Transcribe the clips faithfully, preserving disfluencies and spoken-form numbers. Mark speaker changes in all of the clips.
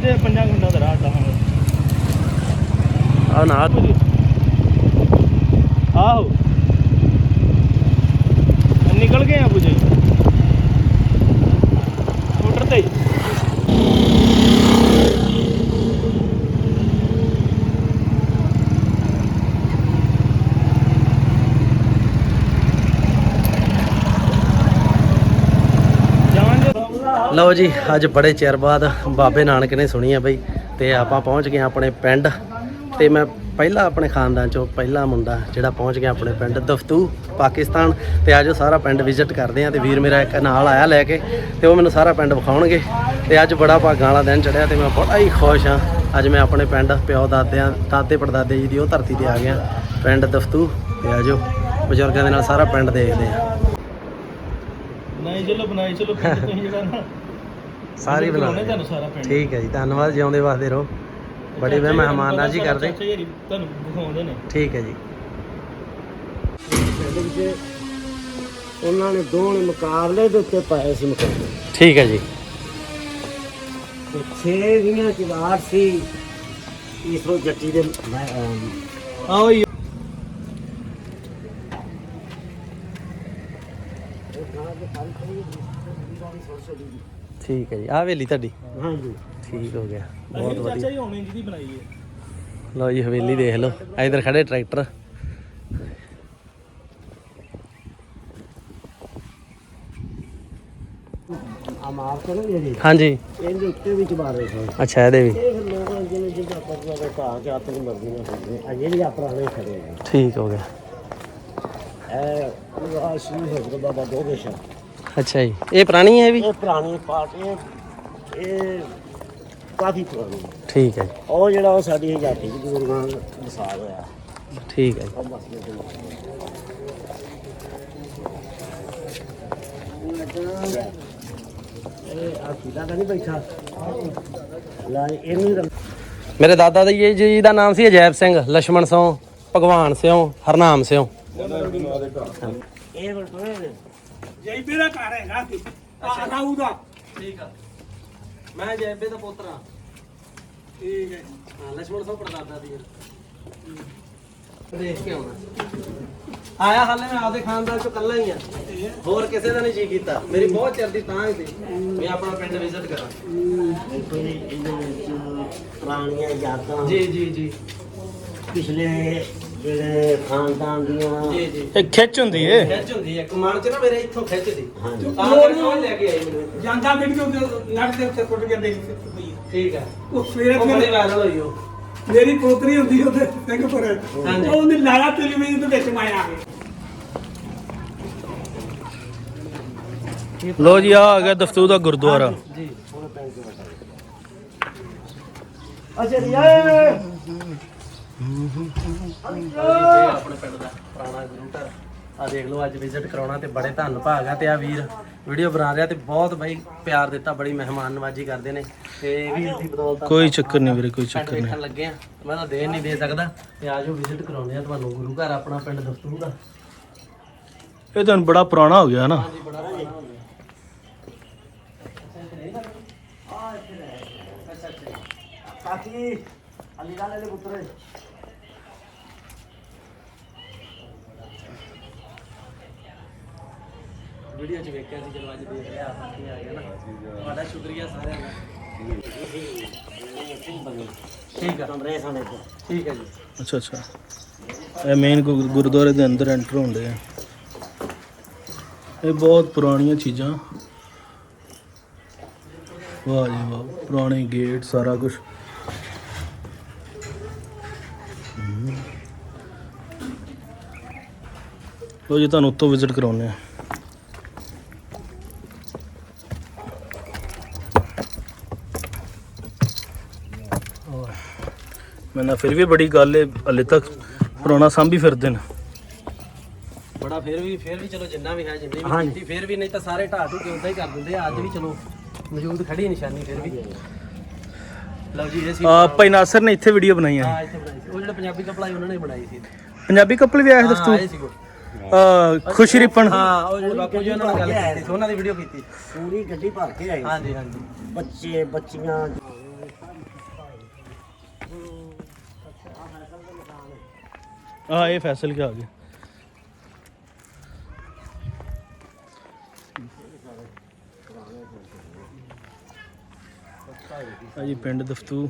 Speaker 1: ਤੇ ਪੰਜਾਂ ਮਿੰਟਾਂ ਦਾ ਰਾਹ ਟਾਹਾਂ
Speaker 2: ਆ ਨਾ
Speaker 1: ਆਹੋ ਨਿਕਲ ਗਏ ਆ ਪੁਜੇ ਸਕੂਟਰ ਤੇ
Speaker 2: ਲਓ ਜੀ ਅੱਜ ਬੜੇ ਚਿਰ ਬਾਅਦ ਬਾਬੇ ਨਾਨਕ ਨੇ ਸੁਣੀ ਆ ਬਈ ਤੇ ਆਪਾਂ ਪਹੁੰਚ ਗਏ ਆਪਣੇ ਪਿੰਡ ਤੇ ਮੈਂ ਪਹਿਲਾ ਆਪਣੇ ਖਾਨਦਾਨ ਚੋਂ ਪਹਿਲਾ ਮੁੰਡਾ ਜਿਹੜਾ ਪਹੁੰਚ ਗਿਆ ਆਪਣੇ ਪਿੰਡ ਦਫਤੂ ਪਾਕਿਸਤਾਨ ਤੇ ਅੱਜ ਸਾਰਾ ਪਿੰਡ ਵਿਜ਼ਿਟ ਕਰਦੇ ਆ ਤੇ ਵੀਰ ਮੇਰਾ ਇੱਕ ਨਾਲ ਆਇਆ ਲੈ ਕੇ ਤੇ ਉਹ ਮੈਨੂੰ ਸਾਰਾ ਪਿੰਡ ਵਿਖਾਉਣਗੇ ਤੇ ਅੱਜ ਬੜਾ ਭਾਗਾਂ ਵਾਲਾ ਦਿਨ ਚੜਿਆ ਤੇ ਮੈਂ ਬੜਾ ਹੀ ਖੁਸ਼ ਹਾਂ ਅੱਜ ਮੈਂ ਆਪਣੇ ਪਿੰਡ ਪਿਓ ਦਾਦਿਆਂ ਦਾਦੇ ਪੜਦਾਦੇ ਜੀ ਦੀ ਉਹ ਧਰਤੀ ਤੇ ਆ ਗਿਆ ਪਿੰਡ ਦਫਤੂ ਤੇ ਆਜੋ ਬਜ਼ੁਰਗਾਂ ਦੇ ਨਾਲ ਸਾਰਾ ਪਿੰਡ ਦੇਖਦੇ ਆ
Speaker 1: ਨਹੀਂ ਚਲੋ ਬਣਾਈ ਚਲੋ ਤੁਸੀਂ ਜਿਹੜਾ ਨਾ
Speaker 2: ਸਾਰੀ ਬਣਾ
Speaker 1: ਤੁਹਾਨੂੰ ਸਾਰਾ ਪਿੰਡ
Speaker 2: ਠੀਕ ਹੈ ਜੀ ਧੰਨਵਾਦ ਜਿਉਂਦੇ ਵਾਸਤੇ ਰਹੋ ਬੜੇ ਵੇ ਮਹਿਮਾਨਾਜੀ ਕਰਦੇ
Speaker 1: ਤੁਹਾਨੂੰ ਦਿਖਾਉਂਦੇ ਨੇ
Speaker 2: ਠੀਕ ਹੈ ਜੀ
Speaker 3: ਉਹਨਾਂ ਨੇ ਦੋਵੇਂ ਮੁਕਾਬਲੇ ਦੇ ਉੱਤੇ ਪਾਏ ਸੀ ਮੁਕਾਬਲੇ
Speaker 2: ਠੀਕ ਹੈ ਜੀ
Speaker 3: ਤੇ ਛੇ ਵੀਆਂ ਕਿਵਾਰ ਸੀ ਇਸਰੋ ਜੱਟੀ ਦੇ
Speaker 1: ਆਓ ਜੀ
Speaker 2: ਠੀਕ ਹੈ ਜੀ ਆਹ ਹਵੇਲੀ ਤੁਹਾਡੀ
Speaker 3: ਹਾਂਜੀ
Speaker 2: ਠੀਕ ਹੋ ਗਿਆ ਬਹੁਤ ਵਧੀਆ
Speaker 1: ਚਾਚਾ ਜੀ ਹੁਣ ਜਿਹਦੀ ਬਣਾਈ ਹੈ
Speaker 2: ਲਓ ਜੀ ਹਵੇਲੀ ਦੇਖ ਲਓ ਇਧਰ ਖੜੇ ਟਰੈਕਟਰ
Speaker 3: ਆ ਮਾਰ ਕਰੋ ਜੀ
Speaker 2: ਹਾਂਜੀ
Speaker 3: ਇਹਦੇ ਉੱਤੇ ਵੀ ਚਬਾਰੇ ਸੀ
Speaker 2: ਅੱਛਾ ਇਹਦੇ ਵੀ
Speaker 3: ਇਹ ਫਿਰ ਲੋਕਾਂ ਜਿਹਨੇ ਜਿੱਦਾਂ ਪਰਵਾ ਦਾ ਘਾਹ ਕੇ ਆਪਣੀ ਮਰਜ਼ੀ ਨਾਲ ਕਰਦੇ ਆ ਜਿਹੜੇ ਆ ਪੁਰਾਣੇ ਖੜੇ ਨੇ
Speaker 2: ਠੀਕ ਹੋ ਗਿਆ
Speaker 3: ਇਹ ਉਹ ਸ਼੍ਰੀ ਹਜ਼ਰਤ ਬਾਬਾ ਦੋਗੇਸ਼ਾ
Speaker 2: ਅੱਛਾ ਜੀ ਇਹ ਪੁਰਾਣੀ ਹੈ ਵੀ
Speaker 3: ਇਹ ਪੁਰਾਣੀ ਪਾਰਟ ਇਹ ਇਹ ਕਾਫੀ ਪੁਰਾਣੀ ਹੈ
Speaker 2: ਠੀਕ ਹੈ ਜੀ
Speaker 3: ਉਹ ਜਿਹੜਾ ਉਹ ਸਾਡੀ ਆਜ਼ਾਦੀ ਦੀ ਗੁਰੂਆਂ ਦਾ ਮਿਸਾਲ ਹੋਇਆ
Speaker 2: ਠੀਕ ਹੈ ਜੀ
Speaker 3: ਉਹ ਮਸਲੇ ਦੇ ਇਹ ਆ ਕਿਦਾ ਤਾਂ ਨਹੀਂ ਬੈਠਾ ਲੈ ਇਹਨੂੰ
Speaker 2: ਮੇਰੇ ਦਾਦਾ ਜੀ ਜੀ ਦਾ ਨਾਮ ਸੀ ਅਜੈਬ ਸਿੰਘ ਲక్ష్మణ ਸਿੰਘ ਭਗਵਾਨ ਸਿੰਘ ਹਰਨਾਮ ਸਿੰਘ
Speaker 3: ਇਹ ਬਟੋਏ ਨੇ
Speaker 1: ਜੈਬੇ ਦਾ ਘਰ ਹੈਗਾ ਆ ਰਾਉ ਦਾ
Speaker 2: ਠੀਕ ਆ ਮੈਂ ਜੈਬੇ ਦਾ ਪੁੱਤਰਾ
Speaker 1: ਠੀਕ ਹੈ
Speaker 2: ਹਾਂ ਲక్ష్మణ ਸਿੰਘ ਪੜਦਾਦਾ ਦੀ ਦੇਖ ਕੇ ਆਉਣਾ ਆਇਆ ਹਾਲੇ ਮੈਂ ਆਪਦੇ ਖਾਨਦਾਨ ਚੋਂ ਇਕੱਲਾ ਹੀ ਆ ਹੋਰ ਕਿਸੇ ਦਾ ਨਹੀਂ ਜੀ ਕੀਤਾ ਮੇਰੀ ਬਹੁਤ ਚਿਰ ਦੀ ਤਾਂ ਹੀ ਸੀ ਮੈਂ ਆਪਣਾ ਪਿੰਡ ਵਿਜ਼ਿਟ ਕਰਾਂ
Speaker 3: ਦੇਖੋ ਜੀ ਇਹਦੇ ਵਿੱਚ ਪੁਰਾਣੀਆਂ ਯਾਦਾਂ
Speaker 2: ਜੀ ਜੀ ਜੀ
Speaker 3: ਪਿਛਲੇ ਜਿਹੜੇ ਖਾਨਦਾਨ ਦੀਆਂ
Speaker 2: ਜੀ ਜੀ
Speaker 1: ਇਹ ਖਿੱਚ ਹੁੰਦੀ ਏ
Speaker 2: ਖਿੱਚ ਹੁੰਦੀ ਹੈ ਕਮਾਨ ਚ ਨਾ ਮੇਰੇ ਇੱਥੋਂ ਖਿੱਚਦੀ
Speaker 3: ਹਾਂਜੀ
Speaker 2: ਤਾਂ ਕਰਕੇ ਉਹ ਲੈ ਕੇ ਆਈ ਮੈਨੂੰ
Speaker 1: ਜਾਂਦਾ ਵੀਡੀਓ ਨੱਟ ਦੇ ਉੱਤੇ ਟੁੱਟ ਗਿਆ ਦੇਖ
Speaker 2: ਠੀਕ ਆ
Speaker 1: ਉਹ ਸਵੇਰੇ
Speaker 2: ਉਹ ਬੜੀ
Speaker 1: ਸਵੇਰੇ
Speaker 2: ਵਾਇਰਲ ਹੋਈ ਉਹ
Speaker 1: ਮੇਰੀ ਪੋਤਰੀ ਹੁੰਦੀ ਉਹਦੇ ਸਿੰਘਪੁਰ
Speaker 2: ਹਾਂਜੀ।
Speaker 1: ਉਹ ਉਹਨੇ ਲਾਇਆ ਟੈਲੀਵਿਜ਼ਨ ਦੇ ਵਿੱਚ ਮਾਇਆ ਲੋ ਜੀ ਆ ਆ ਗਿਆ ਦਫਤੂ ਦਾ ਗੁਰਦੁਆਰਾ
Speaker 2: ਜੀ
Speaker 3: ਅੱਛਾ ਜੀ
Speaker 2: ਆਪਣੇ ਪਿੰਡ ਦਾ ਪੁਰਾਣਾ ਗੁਰੂ ਘਰ ਆ ਦੇਖ ਲਓ ਅੱਜ ਵਿਜ਼ਿਟ ਕਰਾਉਣਾ ਤੇ ਬੜੇ ਧੰਨ ਭਾਗ ਆ ਤੇ ਆ ਵੀਰ ਵੀਡੀਓ ਬਣਾ ਰਿਹਾ ਤੇ ਬਹੁਤ ਬਾਈ ਪਿਆਰ ਦਿੱਤਾ ਬੜੀ ਮਹਿਮਾਨ ਨਵਾਜੀ ਕਰਦੇ ਨੇ ਤੇ ਵੀਰ ਦੀ ਬਦੌਲਤ
Speaker 1: ਕੋਈ ਚੱਕਰ ਨਹੀਂ ਵੀਰੇ ਕੋਈ
Speaker 2: ਪਿੰਡ
Speaker 1: ਚੱਕਰ ਨਹੀਂ
Speaker 2: ਵੇਖਣ ਲੱਗੇ ਆ ਮੈਂ ਤਾਂ ਦੇਣ ਨਹੀਂ ਦੇ ਸਕਦਾ ਤੇ ਆਜੋ ਵਿਜ਼ਿਟ ਕਰਾਉਂਦੇ ਆ ਤੁਹਾਨੂੰ ਗੁਰੂ ਘਰ ਆਪਣਾ ਪਿੰਡ ਦਫਤੂ ਦਾ
Speaker 1: ਇਹ ਤਾਂ ਬੜਾ ਪੁਰਾਣਾ ਹੋ ਗਿਆ ਨਾ
Speaker 2: ਹਾਂਜੀ ਬੜਾ ਪੁਰਾਣਾ ਹੋ ਗਿਆ
Speaker 3: ਕਾਕੀ ਅਲੀ ਵਾਲੇ ਦੇ ਪੁੱਤਰ
Speaker 2: ਵੀਡੀਓ 'ਚ ਵੇਖਿਆ ਸੀ ਜਦੋਂ ਅੱਜ ਦੇਖ ਲਿਆ ਆਪਾਂ ਕੀ ਆ ਗਿਆ ਨਾ ਤੁਹਾਡਾ ਸ਼ੁਕਰੀਆ ਸਾਰਿਆਂ ਦਾ ਠੀਕ ਆ
Speaker 3: ਕਮਰੇ ਸਾਨੇ ਤੋਂ
Speaker 2: ਠੀਕ ਹੈ ਜੀ
Speaker 1: ਅੱਛਾ ਅੱਛਾ ਇਹ ਮੇਨ ਗੁਰਦੁਆਰੇ ਦੇ ਅੰਦਰ ਐਂਟਰ ਹੁੰਦੇ ਆ ਇਹ ਬਹੁਤ ਪੁਰਾਣੀਆਂ ਚੀਜ਼ਾਂ ਵਾਹ ਜੀ ਵਾਹ ਪੁਰਾਣੇ ਗੇਟ ਸਾਰਾ ਕੁਝ ਲੋ ਜੀ ਤੁਹਾਨੂੰ ਉੱਤੋਂ ਵਿਜ਼ਿਟ ਕਰਾਉਂਦੇ ਆ ਮੈਂ ਨਾ ਫਿਰ ਵੀ ਬੜੀ ਗੱਲ ਹੈ ਹਲੇ ਤੱਕ ਪੁਰਾਣਾ ਸਾਂਭੀ ਫਿਰਦੇ ਨੇ
Speaker 2: ਬੜਾ ਫਿਰ ਵੀ ਫਿਰ ਵੀ ਚਲੋ ਜਿੰਨਾ ਵੀ ਹੈ ਜਿੰਨੀ ਵੀ ਕੀਤੀ ਫਿਰ ਵੀ ਨਹੀਂ ਤਾਂ ਸਾਰੇ ਢਾਹ ਢੂ ਕੇ ਉਦਾਂ ਹੀ ਕਰ ਦਿੰਦੇ ਆ ਅੱਜ ਵੀ ਚਲੋ ਮੌਜੂਦ ਖੜੀ ਨਿਸ਼ਾਨੀ ਫਿਰ ਵੀ ਲਓ ਜੀ ਇਹ ਸੀ
Speaker 1: ਆ ਭਾਈ ਨਾਸਰ ਨੇ ਇੱਥੇ ਵੀਡੀਓ ਬਣਾਈ ਹੈ
Speaker 2: ਹਾਂ ਇੱਥੇ ਬਣਾਈ ਸੀ ਉਹ ਜਿਹੜਾ ਪੰਜਾਬੀ ਕਪੜਾ ਉਹਨਾਂ ਨੇ ਬਣਾਈ ਸੀ
Speaker 1: ਪੰਜਾਬੀ ਕਪਲ ਵੀ ਆਏ ਸੀ
Speaker 2: ਹਾਂ ਆਏ ਸੀ ਉਹ
Speaker 1: ਦੋਸਤੋ ਖੁਸ਼ੀ ਰਿਪਨ
Speaker 2: ਹਾਂ ਉਹ ਜਿਹੜੇ ਬਾਪੂ ਜੀ ਉਹਨਾਂ ਨਾਲ ਗੱਲ ਕੀਤੀ ਸੀ ਉਹਨਾਂ ਦੀ ਵੀਡੀਓ ਕੀਤੀ
Speaker 3: ਪੂਰੀ ਗੱਡੀ ਭਰ ਕੇ ਆਈ
Speaker 2: ਹਾਂਜੀ ਹਾਂਜੀ
Speaker 3: ਬੱਚੇ ਬੱਚੀਆਂ
Speaker 1: हाँ ये फैसल के आगे जी पिंड दफ्तू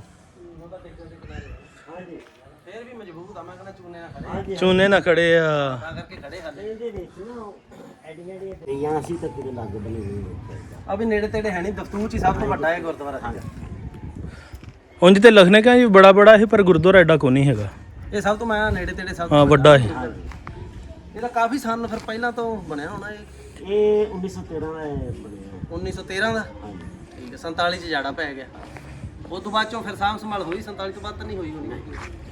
Speaker 2: ਫੇਰ ਵੀ ਮਜ਼ਬੂਤ ਆ ਮੈਂ ਕਹਿੰਦਾ ਚੂਨੇ ਨਾਲ ਖੜੇ
Speaker 1: चूने ना खड़े आ
Speaker 2: ਤਾਂ ਕਰਕੇ ਖੜੇ ਹਾਲੇ
Speaker 3: ਇਹਦੇ ਵਿੱਚ ਨਾ ਐਡੀਆਂ ਐਡੀਆਂ ਅਸੀਂ ਤਾਂ ਕਿਤੇ ਲੱਗ ਬਣੀ ਹੋਈ
Speaker 2: ਆ ਵੀ ਨੇੜੇ ਤੇੜੇ ਹੈ ਨਹੀਂ ਦਫਤੂਰ ਚ ਹੀ ਸਭ ਤੋਂ ਵੱਡਾ ਇਹ ਗੁਰਦੁਆਰਾ ਸੀਗਾ
Speaker 1: ਉਂਝ ਤੇ ਲਿਖਣੇ ਕਾ ਜੀ ਬੜਾ ਬੜਾ ਹੈ ਪਰ ਗੁਰਦੁਆਰਾ ਐਡਾ ਕੋ ਨਹੀਂ ਹੈਗਾ
Speaker 2: ਇਹ ਸਭ ਤੋਂ ਮੈਂ ਨੇੜੇ ਤੇੜੇ ਸਭ
Speaker 1: ਹਾਂ
Speaker 2: ਤੋਂ
Speaker 1: ਵੱਡਾ ਹੈ
Speaker 2: ਇਹਦਾ ਕਾਫੀ ਸਾਲ ਫਿਰ ਪਹਿਲਾਂ ਤੋਂ ਬਣਿਆ ਹੋਣਾ ਇਹ
Speaker 3: ਇਹ ਉੱਨੀ ਸੌ ਤੇਰਾਂ ਦਾ ਇਹ ਬਣਿਆ
Speaker 2: ਉੱਨੀ ਸੌ ਤੇਰਾਂ ਦਾ
Speaker 3: ਹਾਂਜੀ
Speaker 2: ਠੀਕ ਹੈ ਸੰਤਾਲੀ ਚ ਜਾੜਾ ਪੈ ਗਿਆ ਉਸ ਤੋਂ ਬਾਅਦ ਚੋਂ ਫਿਰ ਸਾਂਭ ਸੰਭਾਲ ਹੋਈ ਸੰਤਾਲੀ ਤੋਂ ਬਾਅਦ ਤਾਂ ਨਹੀਂ ਹੋਈ ਹੋਣੀ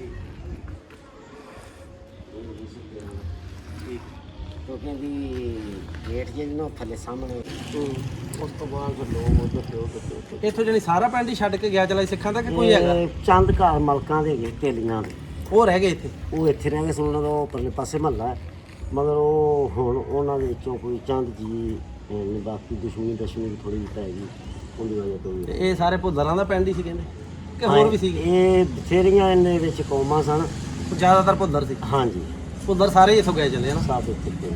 Speaker 3: ਕਿਉਂਕਿ ਵੀ ਗੇਟ ਜਿਹੜੀ ਨਾ ਥੱਲੇ ਸਾਹਮਣੇ ਉਸ ਤੋਂ ਬਾਅਦ ਫਿਰ ਲੋਕ ਉਧਰ ਤੇ ਉਧਰ ਤੇ ਉੱਧਰ।
Speaker 2: ਇੱਥੋਂ ਜਣੀ ਸਾਰਾ ਪਿੰਡ ਹੀ ਛੱਡ ਕੇ ਗਿਆ ਚਲਾ ਸਿੱਖਾਂ ਦਾ ਕਿ ਕੋਈ ਹੈਗਾ
Speaker 3: ਇਹ ਚੰਦ ਘਰ ਮਲਕਾਂ ਦੇ ਹੈਗੇ ਢੇਲੀਆਂ ਦੇ
Speaker 2: ਉਹ ਰਹਿ ਗਏ ਇੱਥੇ
Speaker 3: ਉਹ ਇੱਥੇ ਰਹਿ ਗਏ ਸੀ ਉਹਨਾਂ ਦਾ ਉਹ ਪਰਲੇ ਪਾਸੇ ਮਹੱਲਾ ਮਗਰ ਉਹ ਹੁਣ ਉਹਨਾਂ ਦੇ ਵਿੱਚੋਂ ਕੋਈ ਚੰਦ ਜੀ ਅਹ, ਬਾਕੀ ਦੁਸ਼ਮਣੀ ਦੁਸ਼ਮਣੀ ਥੋੜੀ ਜਿਹੀ ਪੈ ਗਈ ਉਹਦੀ ਵਜ੍ਹਾ ਤੋਂ
Speaker 2: ਤੇ
Speaker 3: ਵੀ
Speaker 2: ਇਹ ਸਾਰੇ ਭੁੱਲਰਾਂ ਦਾ ਪਿੰਡ ਹੀ ਸੀ ਕਹਿੰਦੇ ਕਿ ਹੋਰ ਵੀ ਸੀਗੇ
Speaker 3: ਇਹ ਬਥੇਰੀਆਂ ਇਹਦੇ ਵਿੱਚ ਕੌਮਾਂ ਸਨ
Speaker 2: ਜ਼ਿਆਦਾਤਰ ਭੁੱਲਰ ਸੀ
Speaker 3: ਹਾਂਜੀ
Speaker 2: ਭੁੱਲਰ ਸਾਰੇ ਹੀ ਇੱਥੋਂ ਗਏ ਚਲੇ ਨਾ
Speaker 3: ਸਭ ਇੱਥੇ ਤੇ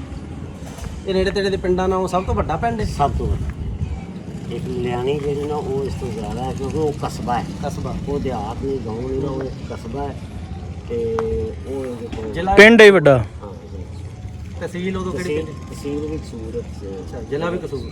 Speaker 2: ਇਹ ਨੇੜੇ ਤੇੜੇ ਦੇ ਪਿੰਡਾਂ ਨਾਲੋਂ ਸਭ ਤੋਂ ਵੱਡਾ ਪਿੰਡ ਹੈ
Speaker 3: ਸਭ ਤੋਂ ਵੱਡਾ ਇੱਕ ਲਿਆਣੀ ਜਿਹੜੀ ਨਾ ਉਹ ਇਸ ਤੋਂ ਜ਼ਿਆਦਾ ਹੈ ਕਿਉਂਕਿ ਉਹ ਕਸਬਾ ਹੈ
Speaker 2: ਕਸਬਾ
Speaker 3: ਉਹ ਦਿਹਾਤ ਨਹੀਂ ਗਾਉਂ ਨਹੀਂ ਨਾ ਉਹ ਇੱਕ ਕਸਬਾ ਹੈ ਤੇ ਉਹ ਇਹਦੇ ਕੋਲ
Speaker 2: ਜ਼ਿਲ੍ਹਾ
Speaker 1: ਪਿੰਡ ਹੀ ਵੱਡਾ
Speaker 3: ਹਾਂ
Speaker 2: ਤਹਿਸੀਲ ਉਦੋਂ ਕਿਹੜੀ
Speaker 3: ਤਹਿਸੀਲ
Speaker 2: ਪਿੰਡ
Speaker 3: ਤਹਿਸੀਲ ਵਿੱਚ ਸੂਰਤ
Speaker 2: ਅੱਛਾ ਜ਼ਿਲ੍ਹਾ ਵੀ ਕਸੂਰ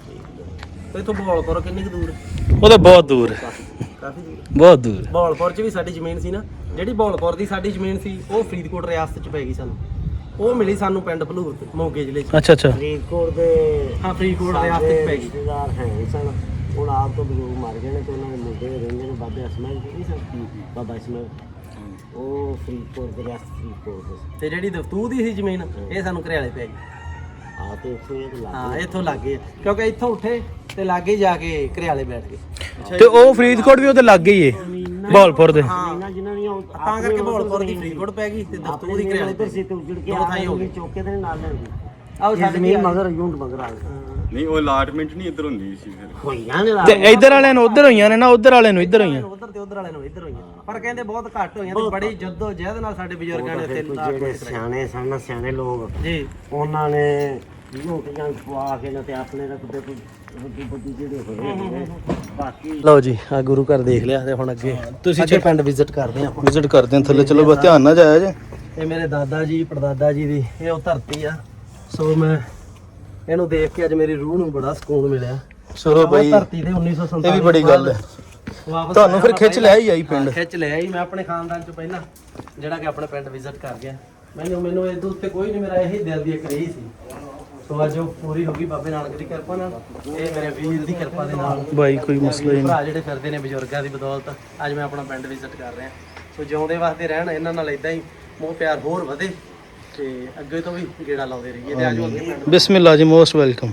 Speaker 2: ਤੇ ਇੱਥੋਂ ਬਹਾਲਪੁਰ ਕਿੰਨੀ ਕੁ ਦੂਰ
Speaker 1: ਉਹ ਤਾਂ ਬਹੁਤ ਦੂਰ ਹੈ
Speaker 2: ਕਾਫੀ ਦੂਰ
Speaker 1: ਬਹੁਤ ਦੂਰ
Speaker 2: ਬਹਾਲਪੁਰ 'ਚ ਵੀ ਸਾਡੀ ਜ਼ਮੀਨ ਸੀ ਨਾ ਜਿਹੜੀ ਬਹਾਲਪੁਰ ਦੀ ਸਾਡੀ ਜ਼ਮੀਨ ਸੀ ਉਹ ਫਰੀਦਕੋਟ ਰਿਆਸਤ 'ਚ ਪੈ ਗਈ ਸਾਨੂੰ ਉਹ ਮਿਲੀ ਸਾਨੂੰ ਪਿੰਡ ਭਲੂਰ ਤੇ ਮੋਗੇ ਜ਼ਿਲ੍ਹੇ 'ਚ
Speaker 1: ਅੱਛਾ ਅੱਛਾ
Speaker 3: ਫਰੀਦਕੋਟ ਦੇ
Speaker 2: ਹਾਂ ਫਰੀਦਕੋਟ ਰਿਆਸਤ 'ਚ ਪੈ ਗਈ
Speaker 3: ਰਿਸ਼ਤੇਦਾਰ ਹੈ ਨਹੀਂ ਸਨ ਹੁਣ ਆਪ ਤੋਂ ਬਜ਼ੁਰਗ ਮਰ ਗਏ ਨੇ ਤੇ ਉਹਨਾਂ ਦੇ ਮੁੰਡੇ ਰਹਿੰਦੇ ਨੇ ਬਾਬੇ ਅਸਮਾਨ ਜੀ ਨਹੀਂ ਸਨ ਬਾਬਾ ਇਸਮਾਨ ਉਹ ਫਰੀਦਕੋਟ ਦੇ ਰਿਆਸਤ ਫਰੀਦਕੋਟ ਦੇ
Speaker 2: ਤੇ ਜਿਹੜੀ ਦਫਤੂ ਦੀ ਸੀ ਜ਼ਮੀਨ ਇਹ ਸਾਨੂੰ ਘਰਿਆਲੇ ਪੈ ਗਈ
Speaker 3: ਆ ਤੇ ਇੱਥੋਂ ਇਹ ਤੇ ਲੱਗ
Speaker 2: ਹਾਂ ਇੱਥੋਂ ਲੱਗੇ ਕਿਉਂਕਿ ਇੱਥੋਂ ਉੱਠੇ ਤੇ ਲਾਗੇ ਜਾ ਕੇ ਘਰਿਆਲੇ ਬੈਠ ਗਏ
Speaker 1: ਤੇ ਉਹ ਫਰੀਦਕੋਟ ਵੀ ਉਹਦੇ ਲੱਗੇ ਹੀ ਹੈ ਬਹਾਲਪੁਰ ਦੇ
Speaker 3: ਜ਼ਮੀਨਾਂ ਜਿਨ੍ਹਾਂ ਦੀਆਂ ਉਹ
Speaker 2: ਤਾਂ ਕਰਕੇ ਬਹਾਲਪੁਰ ਦੀ ਫਰੀਦਕੋਟ ਪੈ ਗਈ ਤੇ ਦਫਤੂ ਦੀ ਘਰਿਆਲੇ ਪੈ
Speaker 3: ਉੱਧਰ ਸੀ
Speaker 2: ਗਈ
Speaker 3: ਤੇ ਉੱਜੜ ਕੇ
Speaker 2: ਦੋ ਥਾਈਂ ਹੋ ਗਏ
Speaker 3: ਚੌਕੇ ਦੇ ਨਾਲ ਲੈਂਦੀ
Speaker 2: ਆਹ
Speaker 3: ਇਹ
Speaker 2: ਸਾਡੇ
Speaker 3: ਜ਼ਮੀਨ ਮਗਰ ਯੂਨਟ ਮਗਰ ਆ ਗਈ
Speaker 4: ਨਹੀਂ ਉਹ ਅਲਾਟਮੈਂਟ ਨਹੀਂ ਇੱਧਰ ਹੁੰਦੀ ਸੀ ਫਿਰ
Speaker 3: ਹੋਈਆਂ ਨੇ
Speaker 1: ਤੇ ਇੱਧਰ ਵਾਲਿਆਂ ਨੂੰ ਉੱਧਰ ਹੋਈਆਂ ਨੇ ਨਾ ਉੱਧਰ ਵਾਲਿਆਂ ਨੂੰ ਇੱਧਰ ਹੋਈਆਂ
Speaker 2: ਉਧਰ ਤੇ ਉਧਰ ਵਾਲੇ ਨੂੰ ਇੱਧਰ ਹੋਈਆਂ ਪਰ ਕਹਿੰਦੇ ਬਹੁਤ ਘੱਟ ਹੋਈਆਂ ਤੇ ਬੜੀ ਜੱਦੋ ਜਹਿਦ ਨਾਲ ਸਾਡੇ ਬਜ਼ੁਰਗਾਂ ਨੇ ਇੱਥੇ
Speaker 3: ਜਿਹੜੇ ਸਿਆਣੇ ਸਨ ਸਿਆਣੇ ਲੋਕ
Speaker 2: ਜੀ
Speaker 3: ਉਹਨਾਂ ਨੇ ਰੋਟੀਆਂ ਖਵਾ ਕੇ ਨਾ ਤੇ ਆਪਣੇ ਰੱਖਦੇ ਕੋਈ ਰੋਟੀ ਬੱਦੀ ਜਿਹੜੇ ਹੋਏ ਬਾਕੀ
Speaker 2: ਲਓ ਜੀ ਆ ਗੁਰੂ ਘਰ ਦੇਖ ਲਿਆ ਤੇ ਹੁਣ ਅੱਗੇ
Speaker 1: ਤੁਸੀਂ
Speaker 2: ਅੱਗੇ ਪਿੰਡ ਵਿਜ਼ਿਟ ਕਰਦੇ ਹਾਂ
Speaker 1: ਵਿਜ਼ਿਟ ਕਰਦੇ ਹਾਂ ਥੱਲੇ ਚਲੋ ਬਸ ਧਿਆਨ ਨਾਲ ਜਾਇਆ ਜੇ
Speaker 2: ਇਹ ਮੇਰੇ ਦਾਦਾ ਜੀ ਪੜਦਾਦਾ ਜੀ ਦੀ ਇਹ ਉਹ ਧਰਤੀ ਆ ਸੋ ਮੈਂ ਇਹਨੂੰ ਦੇਖ ਕੇ ਅੱਜ ਮੇਰੀ ਰੂਹ ਨੂੰ ਬੜਾ ਸਕੂਨ ਮਿਲਿਆ
Speaker 1: ਚਲੋ
Speaker 2: ਉਹ
Speaker 1: ਬਈ
Speaker 2: ਧਰਤੀ ਤੇ ਉੱਨੀ ਸੌ ਸੰਤਾਲੀ
Speaker 1: ਇਹ ਵੀ ਬੜੀ ਗੱਲ ਹੈ
Speaker 2: ਵਾਪਸ
Speaker 1: ਤੁਹਾਨੂੰ ਫਿਰ
Speaker 2: ਆਇਆ
Speaker 1: ਖਿੱਚ
Speaker 2: ਪਹਿਲਾਂ।
Speaker 1: ਲਿਆ ਹੀ ਆਈ ਪਿੰਡ
Speaker 2: ਹਾਂ, ਖਿੱਚ ਲਿਆ ਹੀ ਮੈਂ ਆਪਣੇ ਖਾਨਦਾਨ ਚ ਪਹਿਲਾਂ ਜਿਹੜਾ ਕਿ ਆਪਣੇ ਪਿੰਡ ਵਿਜ਼ਿਟ ਕਰ ਗਿਆ ਮੈਨੂੰ ਮੈਨੂੰ ਇਹਦੇ ਉੱਤੇ ਕੋਈ ਨਹੀਂ ਮੇਰਾ ਇਹੀ ਦਿਲ ਦੀ ਇੱਕ ਰਹੀ ਸੀ ਸੋ ਅੱਜ ਉਹ ਪੂਰੀ ਹੋ ਗਈ ਬਾਬੇ ਨਾਨਕ ਦੀ ਕਿਰਪਾ ਨਾਲ ਇਹ ਮੇਰੇ ਵੀਰ ਦੀ ਕਿਰਪਾ ਦੇ ਨਾਲ
Speaker 1: ਬਾਈ ਕੋਈ ਮਸਲਾ ਹੀ ਨਹੀਂ
Speaker 2: ਭਰਾ ਜਿਹੜੇ ਫਿਰਦੇ ਨੇ ਬਜ਼ੁਰਗਾਂ ਦੀ ਬਦੌਲਤ ਅੱਜ ਮੈਂ ਆਪਣਾ ਪਿੰਡ ਵਿਜ਼ਿਟ ਕਰ ਰਿਹਾ ਸੋ ਜਿਉਂਦੇ ਵਾਸਤੇ ਰਹਿਣ ਇਹਨਾਂ ਨਾਲ ਇਦਾਂ ਹੀ ਮੋਹ ਪਿਆਰ ਹੋਰ ਵਧੇ ਤੇ ਅੱਗੇ ਤੋਂ ਵੀ ਗੇੜਾ ਲਾਉਂਦੇ ਰਹੀਏ ਤੇ ਅੱਜ ਅੱਗੇ ਪਿੰਡ
Speaker 1: ਬਿਸਮਿਲ੍ਲਾ ਜੀ ਮੋਸਟ ਵੈਲਕਮ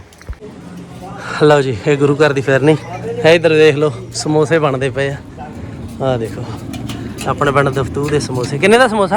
Speaker 2: ਲਓ ਜੀ ਇਹ ਗੁਰੂ ਘਰ ਦੀ ਫਿਰਨੀ ਹੈ ਇਧਰ ਦੇਖ ਲਓ ਸਮੋਸੇ ਬਣਦੇ ਪਏ ਆ ਆਹ ਦੇਖੋ ਆਪਣੇ ਪਿੰਡ ਦਫਤੂ ਦੇ ਸਮੋਸੇ ਕਿੰਨੇ ਦਾ ਸਮੋਸਾ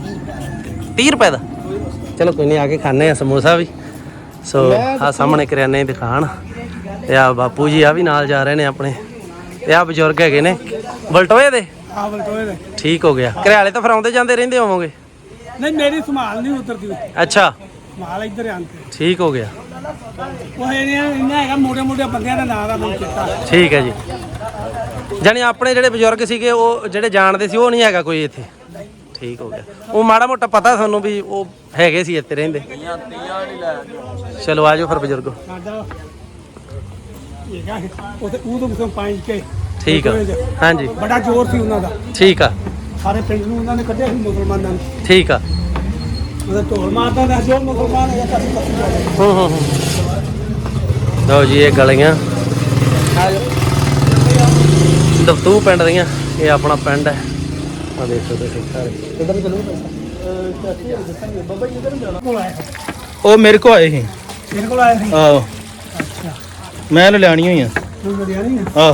Speaker 2: ਤੀਹ ਰੁਪਏ ਦਾ ਚਲੋ ਕੋਈ ਨਹੀਂ ਆ ਕੇ ਖਾਣੇ ਆ ਸਮੋਸਾ ਵੀ ਸੋ ਆ ਸਾਹਮਣੇ ਕਰਿਆਨੇ ਦੀ ਦੁਕਾਨ ਤੇ ਆ ਬਾਪੂ ਜੀ ਆ ਵੀ ਨਾਲ ਜਾ ਰਹੇ ਨੇ ਆਪਣੇ ਤੇ ਆ ਬਜ਼ੁਰਗ ਹੈਗੇ ਨੇ ਬਲਟੋਏ ਦੇ
Speaker 5: ਆ ਬਲਟੋਏ ਦੇ
Speaker 2: ਠੀਕ ਹੋ ਗਿਆ ਘਰਿਆਲੇ ਤਾਂ ਫਿਰ ਆਉਂਦੇ ਜਾਂਦੇ ਰਹਿੰਦੇ ਹੋਵੋਗੇ
Speaker 5: ਨਹੀਂ ਮੇਰੀ ਸੰਭਾਲ ਨਹੀਂ ਉਤਰਦੀ
Speaker 2: ਅੱਛਾ
Speaker 5: ਸੰਭਾਲ ਇੱਧਰ ਆਂਦੇ
Speaker 2: ਠੀਕ ਹੋ ਗਿਆ
Speaker 5: ਉਹ ਇਹਨਾਂ ਇਹਨਾਂ ਹੈਗਾ ਮੋਟੇ ਮੋਟੇ ਬੰਦਿਆਂ ਦਾ ਨਾਂ ਦਾ ਮੈਨੂੰ ਚੇਤਾ
Speaker 2: ਠੀਕ ਹੈ ਜੀ ਜਾਣੀ ਆਪਣੇ ਜਿਹੜੇ ਬਜ਼ੁਰਗ ਸੀਗੇ ਉਹ ਜਿਹੜੇ ਜਾਣਦੇ ਸੀ ਉਹ ਨਹੀਂ ਹੈਗਾ ਕੋਈ ਇੱਥੇ ਠੀਕ ਹੋ ਗਿਆ ਉਹ ਮਾੜਾ ਮੋਟਾ ਪਤਾ ਤੁਹਾਨੂੰ ਵੀ ਉਹ ਹੈਗੇ ਸੀ ਇੱਥੇ ਰਹਿੰਦੇ ਚਲੋ ਆਜੋ ਫਿਰ ਬਜ਼ੁਰਗੋ
Speaker 5: ਸਾਡਾ ਹੈਗਾ ਉੱਥੇ ਉਹ ਤੋਂ ਪੰਜ ਕੇ
Speaker 2: ਠੀਕ ਆ ਹਾਂਜੀ
Speaker 5: ਬੜਾ ਜ਼ੋਰ ਸੀ ਉਹਨਾਂ ਦਾ
Speaker 2: ਠੀਕ ਆ
Speaker 5: ਸਾਰੇ ਪਿੰਡ ਨੂੰ ਉਹਨਾਂ ਨੇ ਕੱਢਿਆ ਸੀ ਮੁਸਲਮਾਨਾਂ ਨੂੰ
Speaker 2: ਠੀਕ ਆ
Speaker 5: ਉਹਦਾ ਢੋਲ ਮਾਰਦਾ ਦਾ ਜੋ ਮੁਸਲਮਾਨ ਹੈਗਾ ਕਾਫੀ ਕਾਫੀ
Speaker 2: ਹੂੰ ਹੂੰ ਹੂੰ ਲਓ ਜੀ ਇਹ ਗਲੀਆਂ ਦਫਤੂ ਪਿੰਡ ਦੀਆਂ ਇਹ ਆਪਣਾ ਪਿੰਡ ਹੈ ਆ ਦੇਖੋ ਤੁਸੀਂ ਸਾਰੇ ਕਿੱਧਰ ਚਲੋ ਬਾਬਾ ਜੀ ਕਿੱਧਰ ਜਾਣਾ
Speaker 5: ਕੋਲ ਆਇਆ
Speaker 1: ਉਹ ਮੇਰੇ ਕੋ ਆਏ ਸੀ
Speaker 5: ਮੇਰੇ ਕੋਲ ਆਇਆ ਸੀ
Speaker 1: ਆਹੋ
Speaker 5: ਅੱਛਾ
Speaker 1: ਮੈਂ ਲਿਆਣੀ ਹੋਈ ਆ
Speaker 5: ਤੂੰ ਵਧੀਆ ਨਹੀਂ
Speaker 1: ਆਹ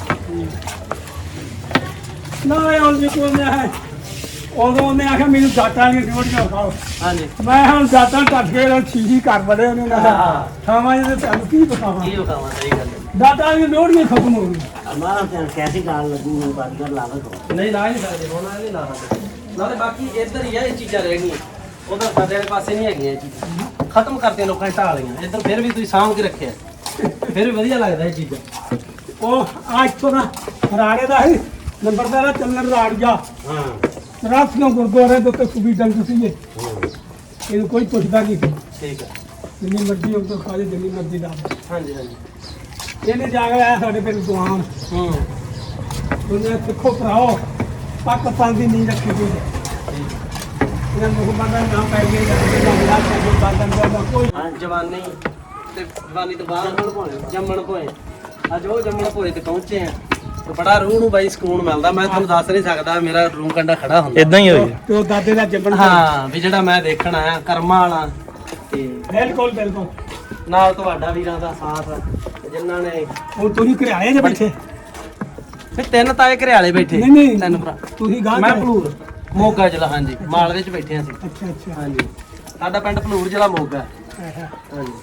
Speaker 5: ਨਾ ਉਹ ਜੀ ਕੋਲ ਮੈਂ ਹੈ ਉਦੋਂ ਉਹਨੇ ਆਖਿਆ ਮੈਨੂੰ ਦਾਤਾਂ ਵਾਲੀਆਂ ਡਿਊਟੀਆਂ ਖਾਓ
Speaker 2: ਹਾਂਜੀ
Speaker 5: ਮੈਂ ਹੁਣ ਦਾਤਾਂ ਟੱਟ ਕੇ ਨਾਲ ਛੀਹੀ ਕਰ ਬੜੇ ਉਹਨੇ ਉਹਨਾਂ ਦਾ ਥਾਵਾਂ ਜਿਹਦੇ ਤੁਹਾਨੂੰ ਕੀ ਬਤਾਵਾਂ
Speaker 2: ਕੀ ਵਿਖਾਵਾਂ ਸਹੀ ਗੱਲ ਹੈ
Speaker 5: ਦਾਤਾਂ ਵਾਲੀਆਂ ਡਿਊਟੀਆਂ ਖਤਮ ਹੋ ਗਈਆਂ
Speaker 3: ਹਮਾਰਾ ਤੇ ਕੈਸੀ ਗਾਲ ਲੱਗੀ ਮੈਨੂੰ ਬਾਤ ਕਰ ਲਾਵਾ
Speaker 2: ਨਹੀਂ ਲਾ ਨਹੀਂ ਸਕਦੇ ਹੁਣ ਇਹ ਨਹੀਂ ਲਾ ਸਕਦੇ ਨਾਲੇ ਬਾਕੀ ਇੱਧਰ ਹੀ ਆ ਇਹ ਚੀਜ਼ਾਂ ਰਹਿ ਗਈਆਂ, ਉਧਰ ਸਾਡੇ ਵਾਲੇ ਪਾਸੇ ਨਹੀਂ ਹੈਗੀਆਂ ਇਹ ਚੀਜ਼ਾਂ, ਖਤਮ ਕਰਤੀਆਂ ਲੋਕਾਂ ਨੇ ਢਾਹ ਲਈਆਂ। ਇੱਧਰ ਫਿਰ ਵੀ ਤੁਸੀਂ ਸਾਂਭ ਕੇ ਰੱਖਿਆ, ਫਿਰ ਵੀ ਵਧੀਆ ਲੱਗਦਾ ਇਹ ਚੀਜ਼ਾਂ।
Speaker 5: ਉਹ ਆ ਇੱਥੋਂ ਦਾ ਰਾੜੇ ਦਾ ਸੀ ਨੰਬਰਦਾਰਾ ਚੱਲਣ ਰਾੜੀਆ
Speaker 2: ਹਾਂ
Speaker 5: ਰਾਸੀਆਂ ਗੁਰਦੁਆਰੇ ਦੇ ਉੱਤੇ ਸੁਬੀ ਡੰਗ ਸੀਗੇ, ਇਹਨੂੰ ਕੋਈ ਪੁੱਛਦਾ ਨਹੀਂ ਸੀ।
Speaker 2: ਠੀਕ ਹੈ।
Speaker 5: ਜਿੰਨੀ ਮਰਜ਼ੀ ਉਹ ਤੋਂ ਖਾ ਜੇ, ਜਿੰਨੀ ਮਰਜ਼ੀ ਦਾ।
Speaker 2: ਹਾਂਜੀ ਹਾਂਜੀ।
Speaker 5: ਇਹਨੇ ਜਾ ਕੇ ਆਇਆ ਸਾਡੇ ਪਿੰਡ ਦੁਆਨ,
Speaker 2: ਹੂੰ
Speaker 5: ਉਹਨੇ ਸਿੱਖੋ ਭਰਾਓ ਪਾਕਿਸਤਾਨ ਦੀ ਨੀਂਹ ਰੱਖੀ ਹੋਈ ਹੈ। ਇਹਨਾਂ ਮੁਹੰਮਦ ਦਾ ਨਾਮ ਪੈ ਗਿਆ ਜਾਂ ਵਿਰਾਜ ਸਾਹਿਬ ਬਾਦਲ ਦਾ ਕੋਈ
Speaker 2: ਜਵਾਨੀ ਤੇ ਜਵਾਨੀ ਤੋਂ ਬਾਅਦ ਜੰਮਣ ਭੋਏ, ਅੱਜ ਉਹ ਜੰਮਣ ਭੋਏ ਤੇ ਪਹੁੰਚੇ ਆ ਤੇ ਬੜਾ ਰੂਹ ਨੂੰ ਬਾਈ ਸਕੂਨ ਮਿਲਦਾ। ਮੈਂ ਤੁਹਾਨੂੰ ਦੱਸ ਨਹੀਂ ਸਕਦਾ, ਮੇਰਾ ਰੂਹ ਕੰਡਾ ਖੜਾ ਹੁੰਦਾ
Speaker 1: ਇਦਾਂ ਹੀ ਹੋਈ
Speaker 5: ਤੇ ਉਹ ਦਾਦੇ ਦਾ ਜੰਮਣ।
Speaker 2: ਹਾਂ ਵੀ ਜਿਹੜਾ ਮੈਂ ਦੇਖਣ ਆਇਆ ਕਰਮਾਂ ਵਾਲਾ, ਤੇ
Speaker 5: ਬਿਲਕੁਲ ਬਿਲਕੁਲ
Speaker 2: ਨਾਲ ਤੁਹਾਡਾ ਵੀਰਾਂ ਦਾ ਸਾਥ ਤੇ ਜਿਨ੍ਹਾਂ ਨੇ
Speaker 5: ਹੁਣ ਤੁਸੀਂ ਘਰਿਆਲੇ ਜੇ ਬੈਠੇ।
Speaker 2: ਫਿਰ ਤਿੰਨ ਤਾਏ ਘਰਿਆਲੇ ਬੈਠੇ,
Speaker 5: ਨਹੀਂ ਨਹੀਂ
Speaker 2: ਤਿੰਨ ਭਰਾ।
Speaker 5: ਤੁਸੀਂ ਗਾਂ
Speaker 2: ਮੈਂ ਭਲੂਰ ਮੋਗਾ ਜ਼ਿਲ੍ਹਾ, ਹਾਂਜੀ ਮਾਲਵੇ ਚ ਬੈਠੇ ਹਾਂ ਅਸੀਂ।
Speaker 5: ਅੱਛਾ ਅੱਛਾ
Speaker 2: ਹਾਂਜੀ ਸਾਡਾ ਪਿੰਡ ਭਲੂਰ ਜ਼ਿਲ੍ਹਾ ਮੋਗਾ।
Speaker 5: ਆਹਾ।
Speaker 2: ਹਾਂਜੀ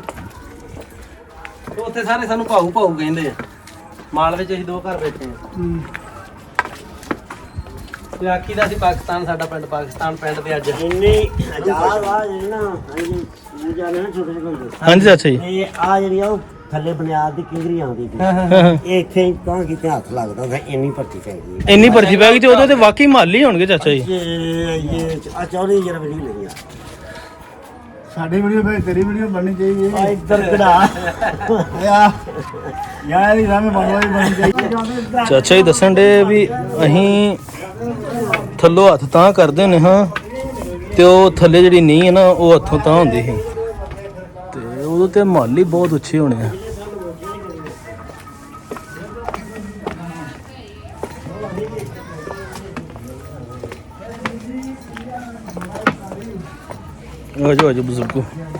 Speaker 2: ਤੇ ਉੱਥੇ ਸਾਰੇ ਸਾਨੂੰ ਭਾਊ ਭਾਊ ਕਹਿੰਦੇ ਆ। ਮਾਲਵੇ ਚ ਅਸੀਂ ਦੋ ਘਰ ਬੈਠੇ ਆ।
Speaker 5: ਹੂੰ।
Speaker 2: ਤੇ ਆਖੀ ਦਾ ਸੀ ਪਾਕਿਸਤਾਨ, ਸਾਡਾ ਪਿੰਡ ਪਾਕਿਸਤਾਨ ਪਿੰਡ ਤੇ ਅੱਜ
Speaker 3: ਇੰਨੇ ਹਜ਼ਾਰ ਵਾਰ ਜਿਹੜੇ ਨਾ ਅਸੀਂ ਪੂਜਾ ਨੇ ਨਾ ਛੋਟੇ ਜਿਹੇ ਹੁੰਦੇ,
Speaker 1: ਹਾਂਜੀ ਚਾਚਾ ਜੀ।
Speaker 3: ਇਹ ਆ ਜਿਹੜੀ ਆ ਉਹ ਥੱਲੇ ਬੁਨਿਆਦ ਦੀ ਕਿੰਗਰੀ ਆਉਂਦੀ ਸੀ, ਇਹ ਇੱਥੇ ਤਾਂ ਕਿਤੇ ਹੱਥ ਲੱਗਦਾ ਹੁੰਦਾ, ਇੰਨੀ ਭਰਤੀ ਪੈ ਗਈ।
Speaker 1: ਇੰਨੀ ਭਰਤੀ ਪੈ ਗਈ ਤੇ ਉਦੋਂ ਤੇ ਵਾਕਈ ਮਾਲੀ ਹੋਣਗੇ ਚਾਚਾ ਜੀ।
Speaker 3: ਇਹ ਇਹ ਆ ਚੌੜੀ ਜਰਾ ਵੀ ਨਹੀਂ ਲਈਆਂ।
Speaker 6: ਸਾਡੀ ਵੀਡੀਓ ਭਾਈ ਤੇਰੀ ਵੀਡੀਓ ਬਣਨੀ ਚਾਹੀਦੀ
Speaker 3: ਆ ਇੱਧਰ ਕਢਾ
Speaker 6: ਹੈ ਯਾਰ ਇਹ ਰਾਮੇ ਬਣਵਾਈ ਬਣਨੀ ਚਾਹੀਦੀ।
Speaker 1: ਚਾਚਾ ਜੀ ਦੱਸਣ ਦੇ ਵੀ ਅਸੀਂ ਥੱਲੋਂ ਹੱਥ ਤਾਂ ਕਰਦੇ ਨੇ ਹਾਂ, ਤੇ ਉਹ ਥੱਲੇ ਜਿਹੜੀ ਨੀਂਹ ਹੈ ਨਾ ਉਹ ਹੱਥੋਂ ਤਾਂ ਹੁੰਦੀ ਸੀ, ਤੇ ਉਦੋਂ ਤੇ ਮਾਲੀ ਬਹੁਤ ਉੱਚੇ ਹੋਣੇ ਆ। ਆਜੋ ਆਜੋ ਬਜ਼ੁਰਗੋ।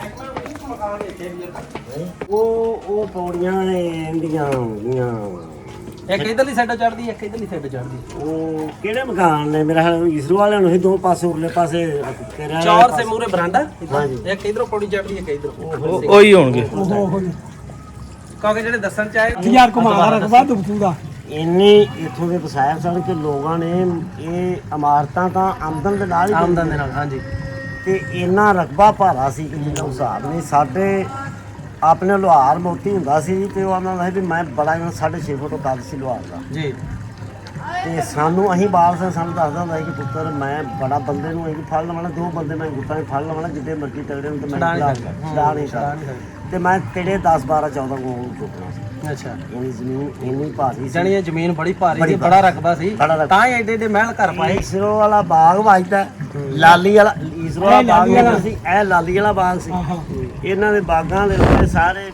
Speaker 3: ਉਹ ਉਹ ਪੌੜੀਆਂ ਨੇ ਇੰਡੀਆਂ ਹੁੰਦੀਆਂ।
Speaker 2: ਇੱਕ ਇਧਰਲੀ ਸਾਈਡ ਚੜਦੀ, ਇੱਕ ਇਧਰਲੀ ਸਾਈਡ ਚੜਦੀ।
Speaker 3: ਉਹ ਕਿਹੜੇ ਮਕਾਨ ਨੇ? ਮੇਰਾ ਖਿਆਲ ਇਸਰੋ ਵਾਲਿਆਂ ਨੂੰ ਹੀ ਦੋ ਪਾਸੇ ਉਰਲੇ ਪਾਸੇ ਤੇਰਾ
Speaker 2: ਚਾਰ ਸੇ ਮੂਰੇ ਬਰਾਂਡਾ,
Speaker 3: ਹਾਂਜੀ।
Speaker 2: ਇੱਕ ਇਧਰੋਂ ਪੌੜੀ ਚੜਦੀ, ਇੱਕ ਇਧਰੋਂ।
Speaker 1: ਉਹ ਉਹੀ ਹੋਣਗੇ।
Speaker 5: ਉਹ ਹੋ
Speaker 2: ਕਿਉਂਕਿ ਜਿਹੜੇ ਦੱਸਣ ਚ ਆਏ
Speaker 5: ਯਾਰ ਘੁਮਾ ਰਖਵਾ ਦੁਬਤੂ ਦਾ
Speaker 3: ਇੰਨੇ ਇੱਥੋਂ ਦੇ ਵਸਾਇਲ ਸਨ ਕਿ ਲੋਕਾਂ ਨੇ ਇਹ ਇਮਾਰਤਾਂ ਤਾਂ ਆਮਦਨ ਦੇ ਨਾਲ ਹੀ
Speaker 2: ਆਮਦਨ ਦੇ ਨਾਲ। ਹਾਂਜੀ
Speaker 3: ਤੇ ਇੰਨਾ ਰਕਬਾ ਭਾਰਾ ਸੀ ਕਿ ਜਿਹਦਾ ਹਿਸਾਬ ਨਹੀਂ। ਸਾਡੇ ਆਪਣੇ ਲੋਹਾਰ ਮੋਤੀ ਹੁੰਦਾ ਸੀ ਤੇ ਉਹ ਆਉਂਦਾ ਸੀ ਵੀ ਮੈਂ ਬੜਾ ਸਾਢੇ ਛੇ ਫੁੱਟ ਕੱਦ ਸੀ ਲੋਹਾਰ ਦਾ,
Speaker 2: ਜੀ।
Speaker 3: ਤੇ ਸਾਨੂੰ ਅਸੀਂ ਬਾਲ ਸਾਂ ਸਾਨੂੰ ਦੱਸਦਾ ਹੁੰਦਾ ਸੀ ਕਿ ਪੁੱਤਰ ਮੈਂ ਬੜਾ ਬੰਦੇ ਨੂੰ ਅਸੀਂ ਫੜ ਲਵਾਂ, ਦੋ ਬੰਦੇ ਮੈਂ ਗੁੱਟਾਂ 'ਚ ਫੜ ਲਵਾਂ, ਜਿੱਡੇ ਮਰਜ਼ੀ ਤਗੜੇ ਨੂੰ ਤੇ ਮੈਂ
Speaker 2: ਛੁਡਾ ਨਹੀਂ
Speaker 3: ਛੁਡਾ
Speaker 2: ਸਕਦਾ।
Speaker 3: ਛੁਡਾ ਨਹੀਂ ਸਕਦਾ। ਤੇ ਮੈਂ ਤੇੜੇ ਦਸ ਬਾਰਾਂ ਚੌਦਾਂ ਕੋਲ ਚੁੱਕਣਾ ਸੀ।
Speaker 2: ਅੱਛਾ।
Speaker 3: ਇੰਨੀ ਜ਼ਮੀਨ ਇੰਨੀ ਭਾਰੀ ਸੀ,
Speaker 2: ਜਾਣੀ ਇਹ ਜ਼ਮੀਨ ਬੜੀ ਭਾਰੀ
Speaker 3: ਬੜੀ
Speaker 2: ਸੀ, ਬੜਾ ਰਕਬਾ ਸੀ,
Speaker 3: ਬੜਾ ਰਕਬਾ।
Speaker 2: ਤਾਂ ਹੀ ਐਡੇ ਐਡੇ ਮਹਿਲ ਘਰ ਪਾਏ।
Speaker 3: ਇਸਰੋ ਵਾਲਾ ਬਾਗ ਵੱਜਦਾ, ਲਾਲੀ ਵਾਲਾ ਇਸਰੋ ਵਾਲਾ ਬਾਗ ਜਿਹੜਾ ਸੀ, ਇਹ ਲਾਲੀ ਵਾਲਾ ਬਾਗ ਸੀ। ਇਹਨਾਂ ਦੇ ਬਾਗਾਂ ਦੇ ਉੱਤੇ ਸਾਰੇ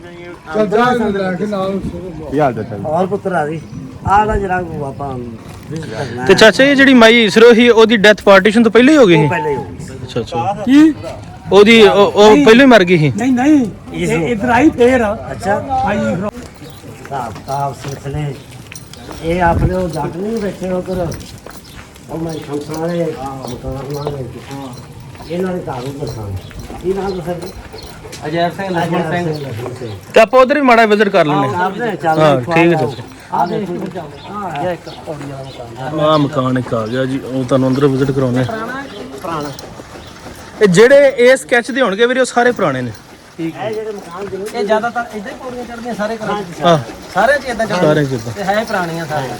Speaker 6: ਯਾਰ ਦਾ ਚੱਲ
Speaker 3: ਹੋਰ ਪੁੱਤਰ ਆ ਜੀ ਆਹ ਦਾ ਜਰਾ ਆਪਾਂ visit ਕਰਨਾ
Speaker 1: ਤੇ ਚਾਚਾ ਜੀ ਜਿਹੜੀ ਮਾਈ ਇਸਰੋ ਸੀ ਉਹਦੀ ਡੈਥ ਪਾਰਟੀਸ਼ਨ ਤੋਂ ਪਹਿਲਾਂ ਹੀ ਹੋ ਗਈ
Speaker 3: ਉਹ
Speaker 1: ਸੀ?
Speaker 3: ਪਹਿਲੇ ਹੋ ਗਈ ਸੀ।
Speaker 1: ਅੱਛਾ ਅੱਛਾ।
Speaker 5: ਕੀ
Speaker 1: ਉਹਦੀ ਉਹ ਉਹ ਪਹਿਲਾਂ ਹੀ ਮਰ ਗਈ ਸੀ?
Speaker 5: ਨਹੀਂ ਨਹੀਂ ਇਹ ਇਧਰ ਆਈ ਫੇਰ
Speaker 3: ਅੱਛਾ
Speaker 5: ਆਈ
Speaker 3: ਸਾਬ ਸਾਬ ਸਿਲਸਿਲੇ ਇਹ ਆਪਣੇ ਉਹ ਜੱਟ ਨਹੀਂ ਬੈਠੇ ਉਧਰ ਉਹ ਮੈਂ ਸ਼ਮਸਾਂ ਵਾਲੇ ਮਕਾਨ ਵਾਲੇ ਇਹਨਾਂ ਦੇ ਘਰ ਉੱਪਰ ਸਨ। ਕੀ ਨਾਮ ਦੱਸੋ?
Speaker 2: ਅਜੈਬ ਸਿੰਘ, ਲਖਮਣ ਸਿੰਘ।
Speaker 1: ਤੇ ਆਪਾਂ ਉਧਰ ਵੀ ਮਾੜਾ ਵਿਜ਼ਿਟ ਕਰ ਲੈਣੇ।
Speaker 3: ਆਪਨੇ ਚੱਲ
Speaker 1: ਹਾਂ ਠੀਕ ਹੈ ਚਾਚਾ।
Speaker 3: ਆ ਦੇਖੋ
Speaker 2: ਹਾਂ ਇਹ ਇੱਕ ਪੌੜੀ ਵਾਲਾ ਮਕਾਨ
Speaker 1: ਆਹ ਮਕਾਨ ਇੱਕ ਆ ਗਿਆ ਜੀ, ਉਹ ਤੁਹਾਨੂੰ ਅੰਦਰ ਵਿਜ਼ਿਟ ਕਰਾਉਣੇ।
Speaker 2: ਪੁਰਾਣਾ।
Speaker 1: ਇਹ ਜਿਹੜੇ ਇਹ ਸਕੈਚ ਦੇ ਹੋਣਗੇ ਵੀਰੇ ਉਹ ਸਾਰੇ ਪੁਰਾਣੇ ਨੇ।
Speaker 2: ਠੀਕ ਹੈ।
Speaker 3: ਇਹ ਜਿਹੜੇ ਮਕਾਨ ਦੇ
Speaker 2: ਇਹ ਜ਼ਿਆਦਾਤਰ ਇਦਾਂ ਹੀ ਪੌੜੀਆਂ ਚੜਦੀਆਂ ਸਾਰੇ ਘਰਾਂ 'ਚ,
Speaker 1: ਹਾਂ
Speaker 2: ਸਾਰੇ 'ਚ ਇਦਾਂ ਚੜ੍ਹਦੇ।
Speaker 1: ਸਾਰੇ 'ਚ ਏਦਾਂ।
Speaker 2: ਤੇ ਹੈ ਪੁਰਾਣੀਆਂ ਸਾਰੀਆਂ।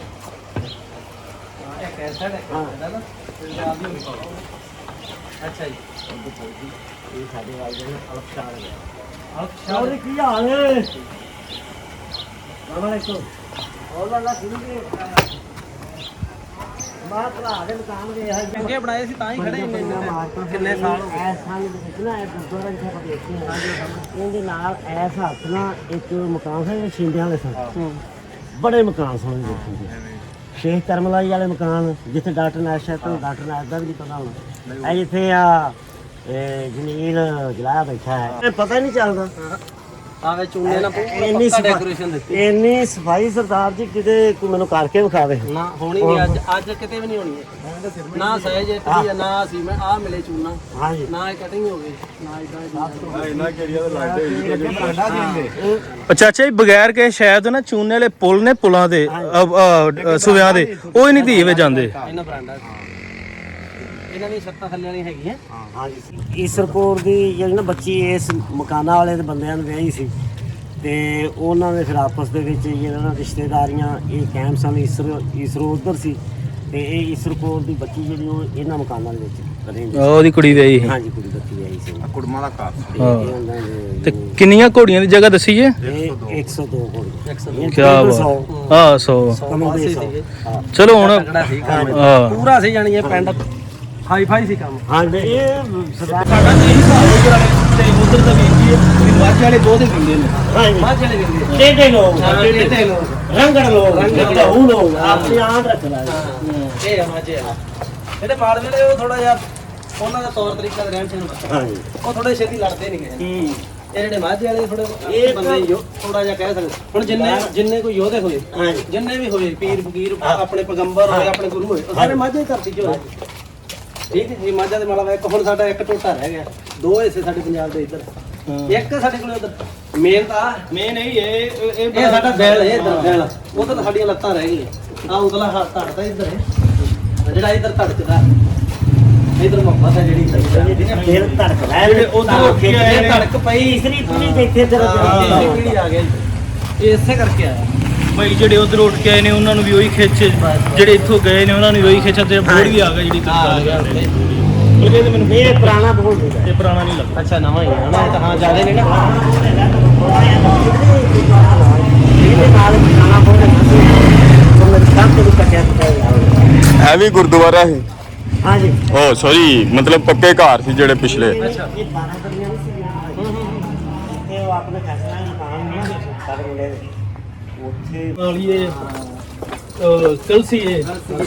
Speaker 2: ਇੱਕ ਐਸਾ ਹੈ ਹਾਂ ਨਾ ਪੰਜਾਬ ਦੀ ਹੋਣੀ। ਅੱਛਾ ਜੀ।
Speaker 3: ਇਹ ਸਾਡੇ ਵਾਲ ਦੇ ਅਲਫਸ਼ਾਰ ਹੈ।
Speaker 2: ਅੱਛਾ
Speaker 3: ਹੋਰ ਕੀ ਹਾਲ ਹੈ? ਮਾਮਾ ਦੇਖੋ ਹੋਰ ਵਾਲਾ ਸੁਣ ਕੇ ਮਾਂ ਭਰਾ ਦੇ ਮਕਾਨ ਦੇ ਹੈ
Speaker 2: ਅੱਗੇ ਬਣਾਏ ਸੀ ਤਾਂ ਹੀ ਖੜੇ ਇੰਨੇ ਇੰਨੇ time। ਕਿੰਨੇ ਸਾਲ ਹੋ ਗਏ?
Speaker 3: ਐਸ ਸਾਲ ਦੇ ਵਿੱਚ ਨਾ ਇਹ ਗੁਰਦੁਆਰਾ ਜਿੱਥੇ ਆਪਾਂ ਦੇਖਦੇ ਹਾਂ ਇਹਦੇ ਨਾਲ ਐਸ ਹੱਥ ਨਾਲ ਇੱਕ ਮਕਾਨ ਸੀ ਛਿੰਦਿਆਂ ਵਾਲੇ ਸਨ। ਬੜੇ ਮਕਾਨ ਸਨ ਦੇਖਣ ਦੇ। ਸ਼ੇਖ ਕਰਮਲਾਈ ਵਾਲੇ ਮਕਾਨ ਜਿੱਥੇ ਡਾਕਟਰ ਨਾਸ਼ਾ ਤੋਂ ਡਾਕਟਰ ਨਾਸ਼ ਦਾ ਵੀ ਨਹੀਂ ਪਤਾ ਹੋਣਾ। ਇਹ ਜਿੱਥੇ ਆ ਇਹ ਜਮੀਲ ਜਲਾਇਆ ਬੈਠਾ ਹੈ, ਇਹ ਪਤਾ ਹੀ ਨਹੀਂ ਚੱਲਦਾ।
Speaker 2: ਆਵੇ ਚੂਨੇ ਨਾਲ
Speaker 3: ਇੰਨੀ
Speaker 2: ਪੂਰਾ
Speaker 3: ਸਫਾਈ
Speaker 2: ਡੈਕੋਰੇਸ਼ਨ ਦਿੱਤੀ।
Speaker 3: ਇੰਨੀ ਸਫਾਈ ਸਰਦਾਰ ਜੀ ਕਿਤੇ ਕੋਈ ਮੈਨੂੰ ਕਰਕੇ ਵਿਖਾਵੇ।
Speaker 2: ਨਾ ਹੋਣੀ ਨਹੀਂ ਅੱਜ ਅੱਜ ਕਿਤੇ ਵੀ ਨਹੀਂ ਹੋਣੀ ਹੈ। ਨਾ ਸਹਿਜ ਇੱਥੇ ਆ, ਨਾ ਸੀ ਮੈਂ ਆ ਮਿਲੇ ਚੂਨਾ,
Speaker 3: ਹਾਂਜੀ
Speaker 2: ਨਾ ਇਹ ਕਟਿੰਗ ਹੋ ਗਈ, ਨਾ ਇਦਾਂ
Speaker 4: ਇਹਨਾਂ ਕਿਹੜੀਆਂ ਦਾ ਲੱਗਦੇ
Speaker 1: ਉਹ ਚਾਚਾ ਜੀ ਬਗੈਰ ਕੇ ਸ਼ਾਇਦ ਨਾ ਚੂਨੇ ਵਾਲੇ ਪੁਲ ਨੇ ਪੁਲਾਂ ਦੇ ਅ, ਅ, ਸੁਵਿਆਂ ਦੇ ਉਹ ਹੀ ਨਹੀਂ ਧੀਵੇ ਜਾਂਦੇ।
Speaker 2: ਇਹਨਾਂ ਬਰਾਂਡਾ ਇਹਨਾਂ ਦੀ ਛੱਤਾਂ ਥੱਲੇ ਵਾਲੀ ਹੈਗੀਆਂ।
Speaker 3: ਹਾਂਜੀ ਈਸਰਪੁਰ ਦੀ ਜਿਹੜੀ ਨਾ ਬੱਚੀ ਇਸ ਮਕਾਨਾਂ ਵਾਲੇ ਦੇ ਬੰਦਿਆਂ ਨੂੰ ਵਿਆਹੀ ਸੀ ਤੇ ਉਹਨਾਂ ਦੇ ਫਿਰ ਆਪਸ ਦੇ ਵਿੱਚ ਜਿਹੜਾ ਨਾ ਰਿਸ਼ਤੇਦਾਰੀਆਂ ਇਹ ਕਾਇਮ ਸਨ। ਈਸਰ ਈਸਰੋ ਉੱਧਰ ਸੀ ਤੇ ਇਹ ਈਸਰਪੁਰ ਦੀ ਬੱਚੀ ਜਿਹੜੀ ਉਹ ਇਹਨਾਂ ਮਕਾਨਾਂ ਦੇ ਵਿੱਚ ਰਹਿੰਦੀ ਸੀ।
Speaker 1: ਉਹਦੀ ਕੁੜੀ ਵਿਆਹੀ ਸੀ।
Speaker 3: ਹਾਂਜੀ ਕੁੜੀ ਬੱਚੀ ਵਿਆਹੀ ਸੀ।
Speaker 4: ਕੁੜਮਾ ਦਾ ਘਰ
Speaker 3: ਤੇ ਇਹ ਉਹਨਾਂ
Speaker 1: ਤੇ
Speaker 3: ਦੇ
Speaker 1: ਕਿੰਨੀਆਂ ਘੋੜੀਆਂ ਦੀ ਜਗ੍ਹਾ ਦੱਸੀ ਜੇ?
Speaker 3: ਇਹ ਇੱਕ ਸੌ ਦੋ ਕੋਲ
Speaker 2: ਇੱਕ ਸੌ
Speaker 1: ਕੀ ਬਾਤ ਹਾਂ ਸੌ
Speaker 2: ਪਾਸੇ ਸੀਗੇ।
Speaker 1: ਚਲੋ ਹੁਣ
Speaker 2: ਤਕੜਾ ਸੀ ਕੰਮ
Speaker 1: ਹਾਂ
Speaker 2: ਪੂਰਾ ਸੀ, ਜਾਣੀ ਇਹ ਪਿੰਡ ਹਾਈ ਫਾਈ ਸੀ ਕੰਮ।
Speaker 3: ਹਾਂ ਇਹ ਸਰਦਾਰ
Speaker 1: ਸਾਡਾ ਨਹੀਂ ਹਿਸਾਬ ਉਧਰ ਵਾਲੇ ਤੇ ਉਧਰ ਦਾ ਵੇਖੀਏ ਵੀ ਮਾਝੇ ਵਾਲੇ ਦੋ ਦੇ ਦਿੰਦੇ ਨੇ।
Speaker 3: ਹਾਂਜੀ
Speaker 2: ਮਾਝ ਵਾਲੇ ਕਹਿੰਦੇ
Speaker 3: ਟੇਢੇ ਲੋਕ
Speaker 2: ਟੇਢੇ ਲੋਕ,
Speaker 3: ਰੰਗੜ ਲੋਕ
Speaker 2: ਰੰਗੜ
Speaker 3: ਉਹ ਲੋਕ ਆਪਣੇ ਆਪ ਰੱਖਣਾ
Speaker 2: ਇਹ ਆ ਮਾਝੇ ਵਾਲਾ। ਜਿਹੜੇ ਮਾਲਵੇ ਵਾਲੇ ਉਹ ਥੋੜਾ ਜਿਹਾ ਉਹਨਾਂ ਦਾ ਤੌਰ ਤਰੀਕਾ ਰਹਿਣ ਸਹਿਣ ਬੱਚਾ,
Speaker 3: ਹਾਂਜੀ
Speaker 2: ਉਹ ਥੋੜੇ ਛੇਤੀ ਲੜਦੇ ਨਹੀਂ ਗਏ।
Speaker 3: ਹੂੰ
Speaker 2: ਇਹ ਜਿਹੜੇ ਮਾਝੇ ਵਾਲੇ ਥੋੜੇ
Speaker 3: ਇਹ
Speaker 2: ਇਹ ਬੰਦੇ ਯੋ ਥੋੜਾ ਜਿਹਾ ਕਹਿ ਸਕਦੇ। ਹੁਣ ਜਿੰਨੇ ਜਿੰਨੇ ਕੋਈ ਯੋਧੇ ਹੋਏ,
Speaker 3: ਹਾਂਜੀ
Speaker 2: ਜਿੰਨੇ ਵੀ ਹੋਏ ਪੀਰ ਫਕੀਰ ਆਪਣੇ ਪੈਗੰਬਰ ਹੋਏ, ਆਪਣੇ ਗੁਰੂ ਹੋਏ, ਉਹ ਸਾਰੇ ਮਾਝੇ ਦੀ ਧਰਤੀ 'ਚ ਹੋਏ। ਠੀਕ ਹੈ ਜੀ, ਮਾਝਾ ਦੇ ਮਾਲਾ ਇੱਕ ਹੁਣ ਸਾਡਾ ਇੱਕ ਟੋਟਾ ਰਹਿ ਗਿਆ, ਦੋ ਹਿੱਸੇ ਸਾਡੇ ਪੰਜਾਬ ਦੇ ਇੱਧਰ, ਇੱਕ ਸਾਡੇ ਕੋਲ ਉਧਰ ਮੇਨ ਤਾਂ
Speaker 1: ਮੇਨ ਇਹ ਇਹ
Speaker 2: ਇਹ ਸਾਡਾ ਬੈਲ ਹੈ, ਇੱਧਰ ਬੈਲ ਉਧਰ ਤਾਂ ਸਾਡੀਆਂ ਲੱਤਾਂ ਰਹਿ ਗਈਆਂ। ਆ ਉਧਰਲਾ ਹੱਥ ਧੜਦਾ ਇੱਧਰ ਹੈ, ਜਿਹੜਾ ਇੱਧਰ ਧੜਕਦਾ ਇੱਧਰ ਮੁਹੱਬਤ ਹੈ ਜਿਹੜੀ
Speaker 3: ਫਿਰ ਧੜਕਦਾ ਹੈ
Speaker 1: ਜਿਹੜੇ ਉੱਧਰ ਉੱਠ ਕੇ ਆਏ ਨੇ।
Speaker 2: ਧੜਕ ਪਈ
Speaker 3: ਤੀਸਰੀ ਪੀੜੀ ਤੇ ਇੱਥੇ ਤੇਰਾ
Speaker 2: ਤੀਸਰੀ
Speaker 3: ਜਨਮ
Speaker 2: ਪੀੜ੍ਹੀ ਆ ਗਿਆ ਜੀ। ਇਹ ਇਸੇ ਕਰਕੇ ਆਇਆ।
Speaker 1: ਭਾਈ ਜਿਹੜੇ ਉਧਰ ਉੱਠ ਕੇ ਆਏ ਨੇ ਉਹਨਾਂ ਨੂੰ ਵੀ ਉਹੀ ਖਿੱਚ, ਜਿਹੜੇ ਇੱਥੋਂ ਗਏ ਨੇ ਉਹਨਾਂ ਨੂੰ ਵੀ ਉਹੀ ਖਿੱਚ ਤੇ ਬੋੜ ਵੀ ਆ ਗਿਆ ਜਿਹੜੀ
Speaker 2: ਆ ਗਿਆ
Speaker 1: ਬਲਕਿ ਇਹ ਤਾਂ ਮੈਨੂੰ
Speaker 3: ਇਹ ਪੁਰਾਣਾ ਬੋਲ ਹੁੰਦਾ
Speaker 1: ਇਹ ਪੁਰਾਣਾ ਨਹੀਂ ਲੱਗਦਾ।
Speaker 2: ਅੱਛਾ ਨਵਾਂ ਹੀ ਹੈ ਨਾ, ਇਹ ਤਾਂ ਹਾਂ ਜ਼ਿਆਦਾ ਨਹੀਂ ਨਾ।
Speaker 3: ਇਹਦੇ ਨਾਲ ਪੁਰਾਣਾ ਬੋਲ ਹੁੰਦਾ ਸੀ ਤੋਂ ਮੇਰੇ ਸਾਹਮਣੇ ਵੀ ਕੱਟਿਆ ਕੱਟਿਆ
Speaker 4: ਹੈ ਵੀ ਗੁਰਦੁਆਰਾ ਹੈ।
Speaker 3: ਹਾਂਜੀ
Speaker 4: ਓ ਸੌਰੀ ਮਤਲਬ ਪੱਕੇ ਘਰ ਸੀ ਜਿਹੜੇ ਪਿਛਲੇ।
Speaker 2: ਅੱਛਾ
Speaker 3: ਇਹ ਬਾਰਾਂ ਕਰੀਆਂ ਨਹੀਂ ਸੀ ਤੇ ਉਹ ਆਪਣੇ ਫੈਸਲਾ ਮਕਾਨ ਨਹੀਂ ਸਾਡੇ ਮੁੰਡੇ ਦੇ ਉੱਥੇ
Speaker 1: ਵਾਲੀ ਇਹ ਅਹ, ਕਲਸੀ ਇਹ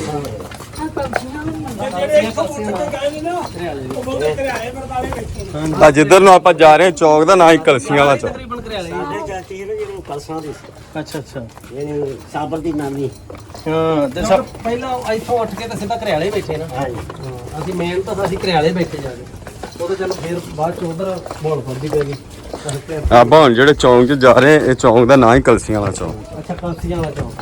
Speaker 5: ਜਿਹੜੇ ਇੱਥੋਂ ਮੋਟਰ ਤੇ ਗਏ ਨੇ ਨਾ ਉਹ ਬੰਦੇ ਘਰਿਆਲੇ ਵਰਤਾਲੇ ਵੇਖੇ
Speaker 4: ਆ ਜਿੱਧਰ ਨੂੰ ਆਪਾਂ ਜਾ ਰਹੇ ਹਾਂ ਚੌਕ ਦਾ ਨਾਂ ਹੀ ਕਲਸੀਆਂ ਵਾਲਾ ਚੌਕ।
Speaker 2: ਤਕਰੀਬਨ ਘਰਿਆਲੇ ਹੀ।
Speaker 3: ਸਾਡੇ ਚਾਚੀ ਨੇ ਜਿਹਨੂੰ ਕਲਸਾਂ ਦੀ ਸੀ
Speaker 1: ਅੱਛਾ ਅੱਛਾ
Speaker 3: ਇਹ ਸਾਬਰ ਦੀ ਨਾਨੀ
Speaker 1: ਹਾਂ ਤੇ
Speaker 2: ਸਭ
Speaker 1: ਸਭ
Speaker 2: ਪਹਿਲਾਂ ਇੱਥੋਂ ਉੱਠ ਕੇ ਤਾਂ ਸਿੱਧਾ ਘਰਿਆਲੇ ਬੈਠੇ ਨਾ।
Speaker 3: ਹਾਂਜੀ
Speaker 2: ਹਾਂ, ਅਸੀਂ ਮੇਨ ਤਾਂ ਅਸੀਂ ਘਰਿਆਲੇ ਬੈਠੇ ਜਾ ਕੇ, ਉਹ ਤਾਂ ਚਲੋ ਫਿਰ ਬਾਅਦ ਚ ਉਧਰ ਮੋੜ ਫੜਦੀ ਪੈ ਗਈ।
Speaker 4: ਆਪਾਂ ਹੁਣ ਜਿਹੜੇ ਚੌਂਕ 'ਚ ਜਾ ਰਹੇ ਹਾਂ ਇਹ ਚੌਂਕ ਦਾ ਨਾਂ ਹੀ ਕਲਸੀਆਂ ਵਾਲਾ ਚੌਕ।
Speaker 2: ਅੱਛਾ ਕਲਸੀਆਂ ਵਾਲਾ ਚੌਂਕ।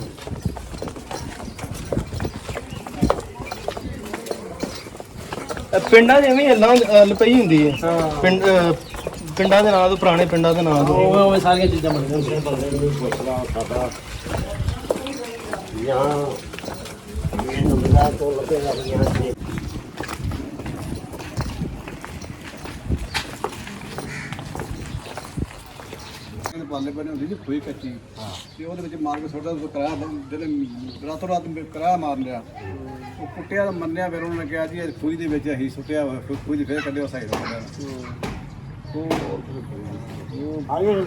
Speaker 1: ਅਹ, ਪਿੰਡਾਂ ਜਿਵੇਂ ਹਿੱਲਾਂ ਲਪਈ ਹੁੰਦੀ ਹੈ।
Speaker 2: ਹਾਂ
Speaker 1: ਪਿੰਡ ਅਹ, ਪਿੰਡਾਂ ਦੇ ਨਾਂ ਤੋਂ ਪੁਰਾਣੇ ਪਿੰਡਾਂ ਦੇ ਨਾਂ ਤੋਂ
Speaker 2: ਉਹ ਉਹ ਸਾਰੀਆਂ ਚੀਜ਼ਾਂ ਬਣ ਗਈਆਂ।
Speaker 3: ਸਾਡਾ ਯਹਾਂ ਇਹ ਨੰਬਰਾਂ ਤੋਂ ਲੱਗੇਗਾ ਯਹਾਂ से
Speaker 6: ਪਾਲੇ ਬਣੇ ਹੁੰਦੀ ਸੀ ਖੋਈ ਕੱਚੀ ਤੇ ਉਹਦੇ ਵਿੱਚ ਮਾਰ ਕੇ ਸੁੱਟਦਾ ਉਹ ਕਰਾਇਆ ਜਿਹੜੇ ਰਾਤੋਂ ਰਾਤ ਕਰਾਇਆ ਮਾਰ ਲਿਆ ਉਹ ਕੁੱਟਿਆ ਮੰਨਿਆ ਫਿਰ ਉਹਨਾਂ ਨੇ ਕਿਹਾ ਜੀ ਇਹ ਖੂਹੀ ਦੇ ਵਿੱਚ ਅਸੀਂ ਸੁੱਟਿਆ ਹੋਇਆ, ਫਿਰ ਖੂਹੀ ਦੇ ਫਿਰ ਕੱਢਿਆ ਸਾਈਡ ਤੋਂ
Speaker 3: आगे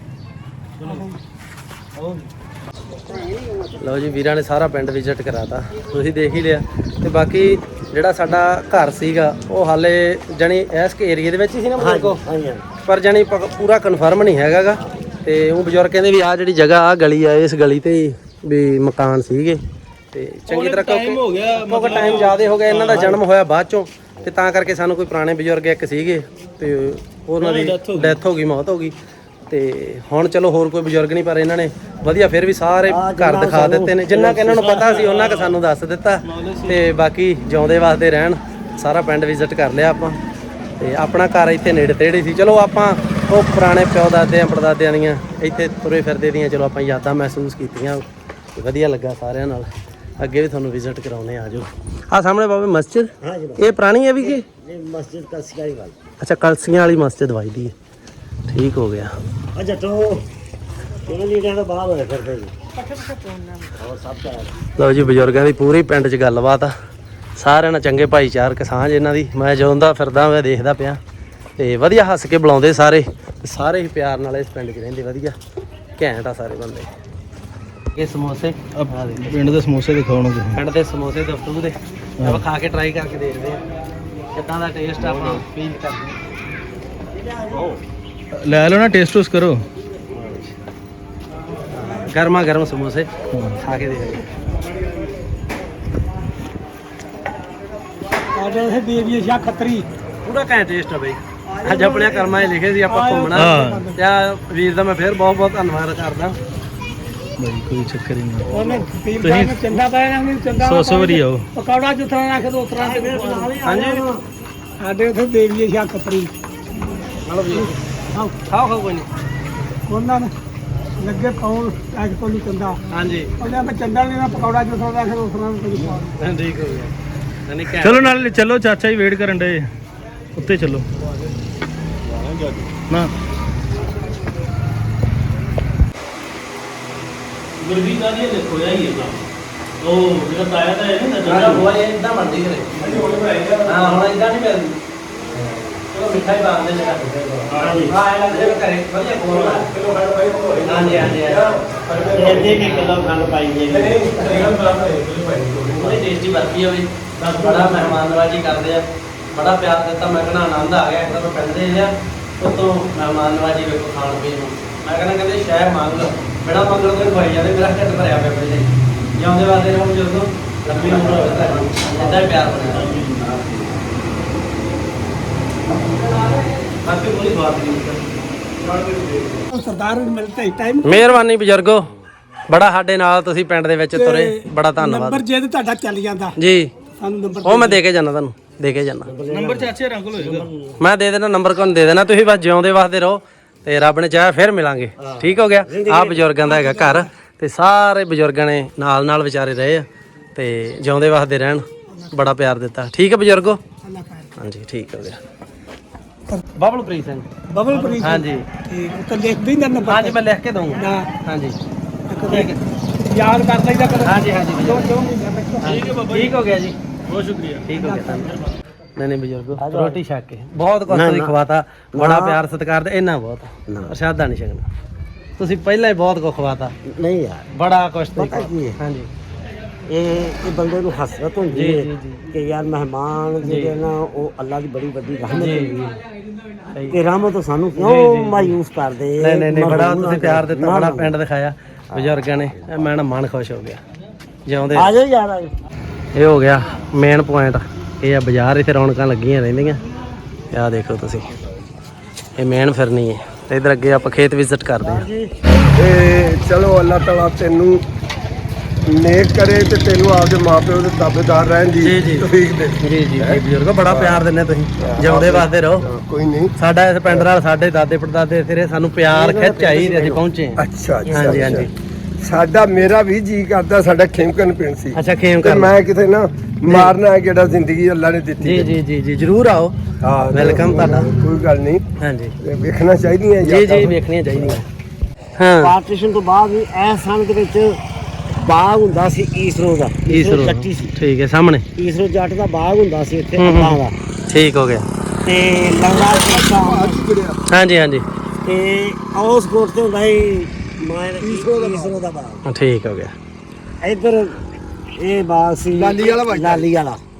Speaker 2: ਲਓ ਜੀ ਵੀਰਾਂ ਨੇ ਸਾਰਾ ਪਿੰਡ ਵਿਜ਼ਿਟ ਕਰਾਤਾ, ਤੁਸੀਂ ਦੇਖ ਹੀ ਲਿਆ। ਤੇ ਬਾਕੀ ਜਿਹੜਾ ਸਾਡਾ ਘਰ ਸੀਗਾ ਉਹ ਹਾਲੇ ਜਾਣੀ ਇਸ ਏਰੀਏ ਦੇ ਵਿੱਚ ਹੀ ਸੀ ਨਾ ਮੇਰੇ ਕੋ,
Speaker 3: ਹਾਂਜੀ
Speaker 2: ਪਰ ਜਾਣੀ ਪ- ਪੂਰਾ ਕਨਫਰਮ ਨਹੀਂ ਹੈਗਾਗਾ। ਤੇ ਉਹ ਬਜ਼ੁਰਗ ਕਹਿੰਦੇ ਵੀ ਆਹ ਜਿਹੜੀ ਜਗ੍ਹਾ ਆ ਗਲੀ ਆ ਇਸ ਗਲੀ ਤੇ ਹੀ ਵੀ ਮਕਾਨ ਸੀਗੇ ਤੇ ਚੰਗੀ ਤਰ੍ਹਾਂ
Speaker 1: time ਹੋ ਗਿਆ,
Speaker 2: ਕਿਉਂਕਿ ਟਾਈਮ ਜ਼ਿਆਦਾ ਹੋ ਗਿਆ, ਇਹਨਾਂ ਦਾ ਜਨਮ ਹੋਇਆ ਬਾਅਦ ਚੋਂ ਤੇ ਤਾਂ ਕਰਕੇ ਸਾਨੂੰ ਕੋਈ ਪੁਰਾਣੇ ਬਜ਼ੁਰਗ ਇੱਕ ਸੀਗੇ ਤੇ ਉਹਨਾਂ ਦੀ ਡੈਥ ਹੋ ਗਈ, ਮੌਤ ਹੋ ਗਈ। ਤੇ ਹੁਣ ਚਲੋ ਹੋਰ ਕੋਈ ਬਜ਼ੁਰਗ ਨਹੀਂ, ਪਰ ਇਹਨਾਂ ਨੇ ਵਧੀਆ ਫਿਰ ਵੀ ਸਾਰੇ ਘਰ ਦਿਖਾ ਦਿੱਤੇ ਨੇ, ਜਿੰਨਾ ਕਿ ਇਹਨਾਂ ਨੂੰ ਪਤਾ ਸੀ ਉਹਨਾਂ ਕਿ ਸਾਨੂੰ ਦੱਸ ਦਿੱਤਾ। ਤੇ ਬਾਕੀ ਜਿਉਂਦੇ ਵਾਸਤੇ ਰਹਿਣ, ਸਾਰਾ ਪਿੰਡ ਵਿਜ਼ਿਟ ਕਰ ਲਿਆ ਆਪਾਂ ਤੇ ਆਪਣਾ ਘਰ ਇੱਥੇ ਨੇੜੇ ਤੇੜੇ ਸੀ। ਚਲੋ ਆਪਾਂ ਉਹ ਪੁਰਾਣੇ ਪਿਓ ਦਾਦਿਆਂ ਪੜਦਾਦਿਆਂ ਦੀਆਂ ਇੱਥੇ ਤੁਰੇ ਫਿਰਦੇ ਦੀਆਂ ਚਲੋ ਆਪਾਂ ਯਾਦਾਂ ਮਹਿਸੂਸ ਕੀਤੀਆਂ, ਵਧੀਆ ਲੱਗਾ ਸਾਰਿਆਂ ਨਾਲ। ਅੱਗੇ ਵੀ ਤੁਹਾਨੂੰ ਵਿਜ਼ਿਟ ਕਰਾਉਣੇ ਆ ਜਾਓ। ਆ ਸਾਹਮਣੇ ਬਾਬੇ ਮਸਜਿਦ,
Speaker 3: हाँ जी
Speaker 2: ਇਹ ਪੁਰਾਣੀ ਹੈ ਵੀ ਕਿ
Speaker 3: ये मस्जिद का सिकारी वाली
Speaker 2: ਅੱਛਾ ਕਲਸੀਆਂ ਵਾਲੀ ਮਸਜਿਦ ਵਜਦੀ ਹੈ, ਠੀਕ ਹੋ ਗਿਆ।
Speaker 3: अच्छा तो ਕਿਹਨੇ ਲੀਡਰਾਂ ਦਾ ਬਾਹਰ ਹੋਇਆ ਫਿਰਦੇ ਜੀ ਪੱਠੇ ਪੱਠੇ ਪੋਣਨਾ ਹੋਰ ਸਭ ਦਾ
Speaker 2: ਲਓ ਜੀ ਬਜ਼ੁਰਗਾਂ ਦੀ ਪੂਰੀ ਪਿੰਡ 'ਚ ਗੱਲਬਾਤ ਆ, ਸਾਰਿਆਂ ਨਾਲ ਚੰਗੇ ਭਾਈਚਾਰਕ ਸਾਂਝ ਇਹਨਾਂ ਦੀ। ਮੈਂ ਜਦੋਂ ਦਾ ਫਿਰਦਾ ਮੈਂ ਦੇਖਦਾ ਪਿਆ ਤੇ ਵਧੀਆ ਹੱਸ ਕੇ ਬੁਲਾਉਂਦੇ ਸਾਰੇ, ਤੇ ਸਾਰੇ ਹੀ ਪਿਆਰ ਨਾਲ ਇਸ ਪਿੰਡ 'ਚ ਰਹਿੰਦੇ, ਵਧੀਆ ਘੈਂਟ ਆ ਸਾਰੇ ਬੰਦੇ। ਇਹ ਸਮੋਸੇ
Speaker 1: ਅਹ, ਪਿੰਡ ਦੇ ਸਮੋਸੇ ਦਿਖਾਉਣ ਨੂੰ
Speaker 2: ਪਿੰਡ ਦੇ ਸਮੋਸੇ ਦਫਤੂ ਦੇ ਆਪਾਂ ਖਾ ਕੇ ਟਰਾਈ ਕਰਕੇ ਦੇਖਦੇ ਆ ਕਿੱਦਾਂ ਦਾ ਟੇਸਟ ਆਪਾਂ ਫੀਲ ਕਰਦੇ ਆ।
Speaker 1: ਲੈ ਲਓ ਨਾ, ਟੇਸਟ ਟੂਸ ਕਰੋ।
Speaker 2: ਗਰਮਾ ਗਰਮ ਸਮੋਸੇ ਖਾ ਕੇ ਦੇਖਦੇ
Speaker 5: ਸਾਡੇ ਇਹ ਦੇਵੀ ਸ਼ਾਹ ਖੱਤਰੀ
Speaker 2: ਪੂਰਾ ਘੈਂਟ ਟੇਸਟ ਆ ਬਈ। ਅੱਜ ਆਪਣੇ ਕਰਮਾਂ 'ਚ ਲਿਖੇ ਸੀ ਆਪਾਂ ਘੁੰਮਣਾ,
Speaker 1: ਹਾਂ।
Speaker 2: ਤੇ ਆਹ ਵੀਰ ਦਾ ਮੈਂ ਫਿਰ ਬਹੁਤ ਬਹੁਤ ਧੰਨਵਾਦ ਕਰਦਾ
Speaker 1: ਬਾਈ ਕੋਈ ਚੱਕਰ ਹੀ ਨਹੀਂ।
Speaker 5: ਉਹਨੇ ਪੀਰ ਸਾਹਿਬ ਨੇ ਚੰਦਾ ਪਾਇਆ ਨਾ ਚੰਦਾ
Speaker 1: ਸੌ ਸੌ ਵਾਰੀ ਆਓ।
Speaker 5: ਪਕੌੜਾ ਜਿੱਥਾ ਰੱਖ ਦੋ ਉਤਰਾ ਤੇ
Speaker 3: ਹਾਂਜੀ
Speaker 5: ਸਾਡੇ ਉੱਥੇ ਦੇਖ ਲਈਏ ਸ਼ਾ ਕਪਰੀ
Speaker 2: ਖਾਓ ਖਾਓ ਕੋਈ ਨਹੀਂ।
Speaker 5: ਉਹਨਾਂ ਨੇ ਲੱਗੇ ਪਾਉਣ ਐਕ ਤੋਂ ਨਹੀਂ ਚੰਦਾ
Speaker 2: ਹਾਂਜੀ
Speaker 5: ਉਹਨੇ ਮੈਂ ਚੰਦਾ ਲੈਣਾ ਪਕੌੜਾ ਜਿੱਥਾ ਰੱਖ ਦੋ ਉਤਰਾ ਤੇ ਪਾ
Speaker 2: ਠੀਕ ਹੋ ਗਿਆ। ਨਹੀਂ
Speaker 1: ਚਲੋ ਨਾਲ ਚੱਲੋ, ਚਾਚਾ ਜੀ ਵੇਟ ਕਰਨ ਡਏ ਉੱਤੇ ਚੱਲੋ ਨਾ। ਗੁਰਵੀ ਦਾ ਜੀ ਦੇਖੋ ਯਾ ਹੀ ਹੈ ਉਹ ਜਿਹੜਾ ਤਾਇਆ ਦਾ ਹੈ ਨਾ
Speaker 2: ਜਿਹੜਾ ਹੋਇਆ ਇਹ ਇਦਾਂ ਬਣਦੀ ਕਰੇ। ਹਾਂ ਹੁਣ ਇਦਾਂ ਨਹੀਂ ਮਿਲਦੀ। ਚਲੋ ਮਿੱਠਾ ਹੀ ਬਾਂਦੇ ਜਗਾ ਹਾਂਜੀ ਹਾਂ ਇਹ ਲੱਗਦਾ ਕਰੇ ਵਧੀਆ ਬੋਲ ਹਾਂਜੀ ਹਾਂਜੀ
Speaker 3: ਇਹ ਦੇ ਕੇ ਕਿਲੋ ਖੰਡ ਪਾਈ ਜੇ
Speaker 2: ਬੜੀ ਟੇਸਟੀ ਬਰਫੀ ਹੋਵੇ ਬੜਾ ਮਹਿਮਾਨ ਨਵਾਜੀ ਕਰਦੇ ਆ ਬੜਾ ਪਿਆਰ ਦਿੱਤਾ। ਮੈਂ ਕਹਿੰਦਾ ਆਨੰਦ ਆ ਗਿਆ ਇੱਕ ਤਾਂ ਪੈਂਦੇ ਆ ਉਤੋਂ ਮਹਿਮਾਨ ਨਵਾਜੀ ਵੇਖੋ ਖਾਣ ਪੀਣ ਨੂੰ। ਮੈਂ ਕਹਿੰਦਾ ਕਹਿੰਦੇ ਸ਼ਹਿਰ ਮੰਗ ਬੜਾ ਮੰਗਣ ਤੋਂ ਖਵਾਈ ਜਾਂਦੇ ਮੇਰਾ ਢਿੱਡ ਭਰਿਆ ਪਿਆ ਪਹਿਲੇ ਜਿਉਂਦੇ ਵਾਦੇ ਰਹੋ ਜਦੋਂ ਲੰਬੀ ਉਮਰ ਹੋਵੇ ਤਾਂ ਇੱਦਾਂ ਹੀ ਪਿਆਰ ਬਣਿਆ। ਬਾਕੀ ਕੋਈ ਬਾਤ ਨਹੀਂ।
Speaker 5: ਸਰਦਾਰ ਨੂੰ ਮਿਲਦਾ ਹੀ ਟਾਈਮ
Speaker 2: ਮਿਹਰਬਾਨੀ ਬਜ਼ੁਰਗੋ ਬੜਾ ਸਾਡੇ ਨਾਲ ਤੁਸੀਂ ਪਿੰਡ ਦੇ ਵਿੱਚ ਤੁਰੇ ਬੜਾ
Speaker 5: ਨੰਬਰ
Speaker 2: ਧੰਨਵਾਦ
Speaker 5: ਜੇ ਤੇ ਤੁਹਾਡਾ ਚੱਲ ਜਾਂਦਾ
Speaker 2: ਜੀ।
Speaker 5: ਸਾਨੂੰ ਨੰਬਰ
Speaker 2: ਉਹ ਮੈਂ ਦੇ ਕੇ ਜਾਣਾ ਤੁਹਾਨੂੰ ਦੇ ਕੇ ਜਾਣਾ
Speaker 1: ਨੰਬਰ ਚਾਚੇ ਰੰਗ ਹੋਏਗਾ।
Speaker 2: ਮੈਂ ਦੇ ਦੇਣਾ ਨੰਬਰ ਕੋਲ ਦੇ ਦੇਣਾ। ਤੁਸੀਂ ਬਸ ਜਿਉਂਦੇ ਵਾਸਤੇ ਰਹੋ ਤੇ ਰੱਬ ਨੇ ਚਾਹਿਆ ਫਿਰ ਮਿਲਾਂਗੇ। ਠੀਕ ਹੋ ਗਿਆ। ਆਹ ਬਜ਼ੁਰਗਾਂ ਦਾ ਹੈਗਾ ਘਰ ਤੇ ਸਾਰੇ ਬਜ਼ੁਰਗਾਂ ਨੇ ਨਾਲ ਨਾਲ ਵਿਚਾਰੇ ਰਹੇ ਆ ਤੇ ਜਿਉਂਦੇ ਵਾਸਤੇ ਰਹਿਣ ਬੜਾ ਪਿਆਰ ਦਿੱਤਾ। ਠੀਕ ਹੈ ਬਜ਼ੁਰਗੋ ਹਾਂਜੀ ਠੀਕ ਹੋ ਗਿਆ। ਬਬਲਪ੍ਰੀਤ ਸਿੰਘ
Speaker 5: ਬਬਲਪ੍ਰੀਤ
Speaker 2: ਹਾਂਜੀ
Speaker 5: ਠੀਕ ਉਹ ਲਿਖ ਦੇ ਨਾ ਨੰਬਰ
Speaker 2: ਹਾਂਜੀ ਮੈਂ ਲਿਖ ਕੇ ਦਊਂਗਾ
Speaker 5: ਨਾ
Speaker 2: ਹਾਂਜੀ
Speaker 5: ਠੀਕ ਹੈ ਯਾਦ ਕਰ ਲਈਦਾ ਕਰ
Speaker 2: ਹਾਂਜੀ ਹਾਂਜੀ
Speaker 5: ਜੋ ਜੋ ਮਹੀਨੇ
Speaker 2: ਠੀਕ ਹੈ ਬਾਬਾ ਠੀਕ ਹੋ ਗਿਆ ਜੀ
Speaker 1: ਬਹੁਤ ਸ਼ੁਕਰੀਆ।
Speaker 2: ਠੀਕ ਹੋ ਗਿਆ ਤੁਹਾਨੂੰ। ਨਹੀਂ ਨਹੀਂ ਬਜ਼ੁਰਗੋ ਰੋਟੀ ਛਕ ਕੇ ਬਹੁਤ ਕੁਝ ਤੁਸੀਂ ਖਵਾਤਾ ਬੜਾ ਪਿਆਰ ਸਤਿਕਾਰ ਤੇ ਇੰਨਾ ਬਹੁਤ ਪ੍ਰਸ਼ਾਦਾ ਨਹੀਂ ਛਕਣਾ ਤੁਸੀਂ ਪਹਿਲਾਂ ਹੀ ਬਹੁਤ ਕੁਝ ਖਵਾਤਾ
Speaker 3: ਨਹੀਂ ਯਾਰ
Speaker 2: ਬੜਾ ਕੁਝ
Speaker 3: ਪਤਾ ਕੀ ਹੈ?
Speaker 2: ਹਾਂਜੀ
Speaker 3: ਇਹ ਇਹ ਬੰਦੇ ਨੂੰ ਹਸਰਤ ਹੁੰਦੀ
Speaker 2: ਜੀ,
Speaker 3: ਹੈ
Speaker 2: ਜੀ, ਜੀ।
Speaker 3: ਕਿ ਯਾਰ ਮਹਿਮਾਨ ਜਿਹੜੇ ਨਾ ਉਹ ਅੱਲਾ ਦੀ ਬੜੀ ਵੱਡੀ ਰਹਿਮਤ
Speaker 2: ਜੀ,
Speaker 3: ਹੁੰਦੀ ਹੈ
Speaker 2: ਸਹੀ।
Speaker 3: ਕਿ ਰਹਿਮਤ ਸਾਨੂੰ
Speaker 2: ਜੀ,
Speaker 3: ਕਿਉਂ
Speaker 2: ਜੀ।
Speaker 3: ਮਾਯੂਸ ਕਰਦੇ
Speaker 2: ਨਹੀਂ ਨਹੀਂ ਨਹੀਂ ਬੜਾ
Speaker 3: ਮਰਹੂਮ
Speaker 2: ਤੁਸੀਂ ਪਿਆਰ ਦਿੱਤਾ
Speaker 3: ਨਾ,
Speaker 2: ਬੜਾ
Speaker 3: ਨਾ।
Speaker 2: ਪਿੰਡ ਦਿਖਾਇਆ ਬਜ਼ੁਰਗਾਂ ਨੇ ਇਹ ਮੈਂ ਨਾ ਮਨ ਖੁਸ਼ ਹੋ ਗਿਆ ਜਿਉਂਦੇ
Speaker 3: ਆ ਜਾਓ ਯਾਰ ਆ ਜਾਓ।
Speaker 2: ਇਹ ਹੋ ਗਿਆ ਮੇਨ ਪੁਆਇੰਟ। ਇਹ ਆ ਬਾਜ਼ਾਰ ਇੱਥੇ ਰੌਣਕਾਂ ਲੱਗੀਆਂ ਰਹਿੰਦੀਆਂ। ਆਹ ਦੇਖੋ ਤੁਸੀਂ ਇਹ ਮੇਨ ਫਿਰਨੀ ਹੈ ਤੇ ਇਧਰ ਅੱਗੇ ਆਪਾਂ ਖੇਤ ਵਿਜ਼ਿਟ ਕਰਦੇ ਹਾਂ।
Speaker 7: ਤੇ ਚਲੋ ਅੱਲਾਹ ਤਾਲਾ ਤੈਨੂੰ ਨੇਕ ਕਰੇ ਤੇ ਤੈਨੂੰ ਆਪਦੇ ਮਾਪਿਓ ਦੇ ਤਾਬੇਦਾਰ ਰਹਿਣ ਦੀ
Speaker 2: ਜੀ, ਜੀ।
Speaker 7: ਤੌਫੀਕ ਦੇ।
Speaker 2: ਜੀ ਜੀ ਜੀ ਬਜ਼ੁਰਗੋ ਬੜਾ ਪਿਆਰ ਦਿੰਦੇ ਤੁਸੀਂ ਜਿਉਂਦੇ ਵਾਸਤੇ ਰਹੋ।
Speaker 7: ਕੋਈ ਨਹੀਂ।
Speaker 2: ਸਾਡਾ ਇਸ ਪਿੰਡ ਨਾਲ ਸਾਡੇ ਦਾਦੇ ਪੜਦਾਦੇ ਤੇਰੇ ਸਾਨੂੰ ਪਿਆਰ ਖਿੱਚ ਆਈ ਤੇ ਅਸੀਂ ਪਹੁੰਚੇ ਹਾਂ।
Speaker 7: ਅੱਛਾ ਅੱਛਾ,
Speaker 2: ਹਾਂਜੀ
Speaker 7: ਅੱਛਾ।
Speaker 2: ਹਾਂਜੀ
Speaker 7: ਸਾਡਾ ਮੇਰਾ ਵੀ ਜੀ ਕਰਦਾ ਸਾਡਾ ਖੇਮਕਨ ਪਿੰਡ ਸੀ
Speaker 2: ਅੱਛਾ ਖੇਮ
Speaker 7: ਤੇ
Speaker 2: ਕਰ
Speaker 7: ਮੈਂ ਕਿਤੇ ਨਾ ਮਾਰਨਾ ਜਿਹੜਾ ਜ਼ਿੰਦਗੀ ਅੱਲਾ ਨੇ ਦਿੱਤੀ
Speaker 2: ਜੀ ਜੀ ਜੀ ਜੀ ਜਰੂਰ ਆਓ
Speaker 7: ਹਾਂ
Speaker 2: ਵੈਲਕਮ ਤੁਹਾਡਾ।
Speaker 7: ਕੋਈ ਗੱਲ ਨਹੀਂ
Speaker 2: ਹਾਂਜੀ
Speaker 7: ਵੇਖਣਾ ਚਾਹੀਦੀਆਂ
Speaker 2: ਜੀ ਜੀ ਵੇਖਣੀਆਂ ਚਾਹੀਦੀਆਂ ਹਾਂ
Speaker 3: ਪਾਰਟੀਸ਼ਨ ਤੋਂ ਬਾਅਦ ਵੀ ਇਸ ਸੰਨ ਦੇ ਵਿੱਚ ਬਾਗ ਹੁੰਦਾ ਸੀ ਈਸਰੋ ਦਾ
Speaker 2: ਈਸਰੋ
Speaker 3: ਜੱਟੀ ਸੀ
Speaker 2: ਠੀਕ ਹੈ ਸਾਹਮਣੇ
Speaker 3: ਈਸਰੋ ਜੱਟ ਦਾ ਬਾਗ ਹੁੰਦਾ ਸੀ ਇੱਥੇ
Speaker 2: ਹੂੰ, ਹੂੰ।
Speaker 3: ਅੱਲਾਂ ਦਾ
Speaker 2: ਠੀਕ ਹੋ ਗਿਆ
Speaker 3: ਤੇ ਲੰਗੜਾ ਪਾਸਾ
Speaker 2: ਹਾਂਜੀ ਹਾਂਜੀ
Speaker 3: ਤੇ ਉਸ ਕੋਟ ਤੇ ਹੁੰਦਾ ਸੀ ਮਾਇਰ ਈਸਰੋ ਦਾ ਬਾਗ
Speaker 2: ਠੀਕ ਹੋ ਗਿਆ
Speaker 3: ਇੱਧਰ ਇਹ ਬਾਗ ਸੀ
Speaker 7: ਲਾਲੀ ਵਾਲਾ ਬਾਗ।
Speaker 3: ਲਾਲੀ ਵਾਲਾ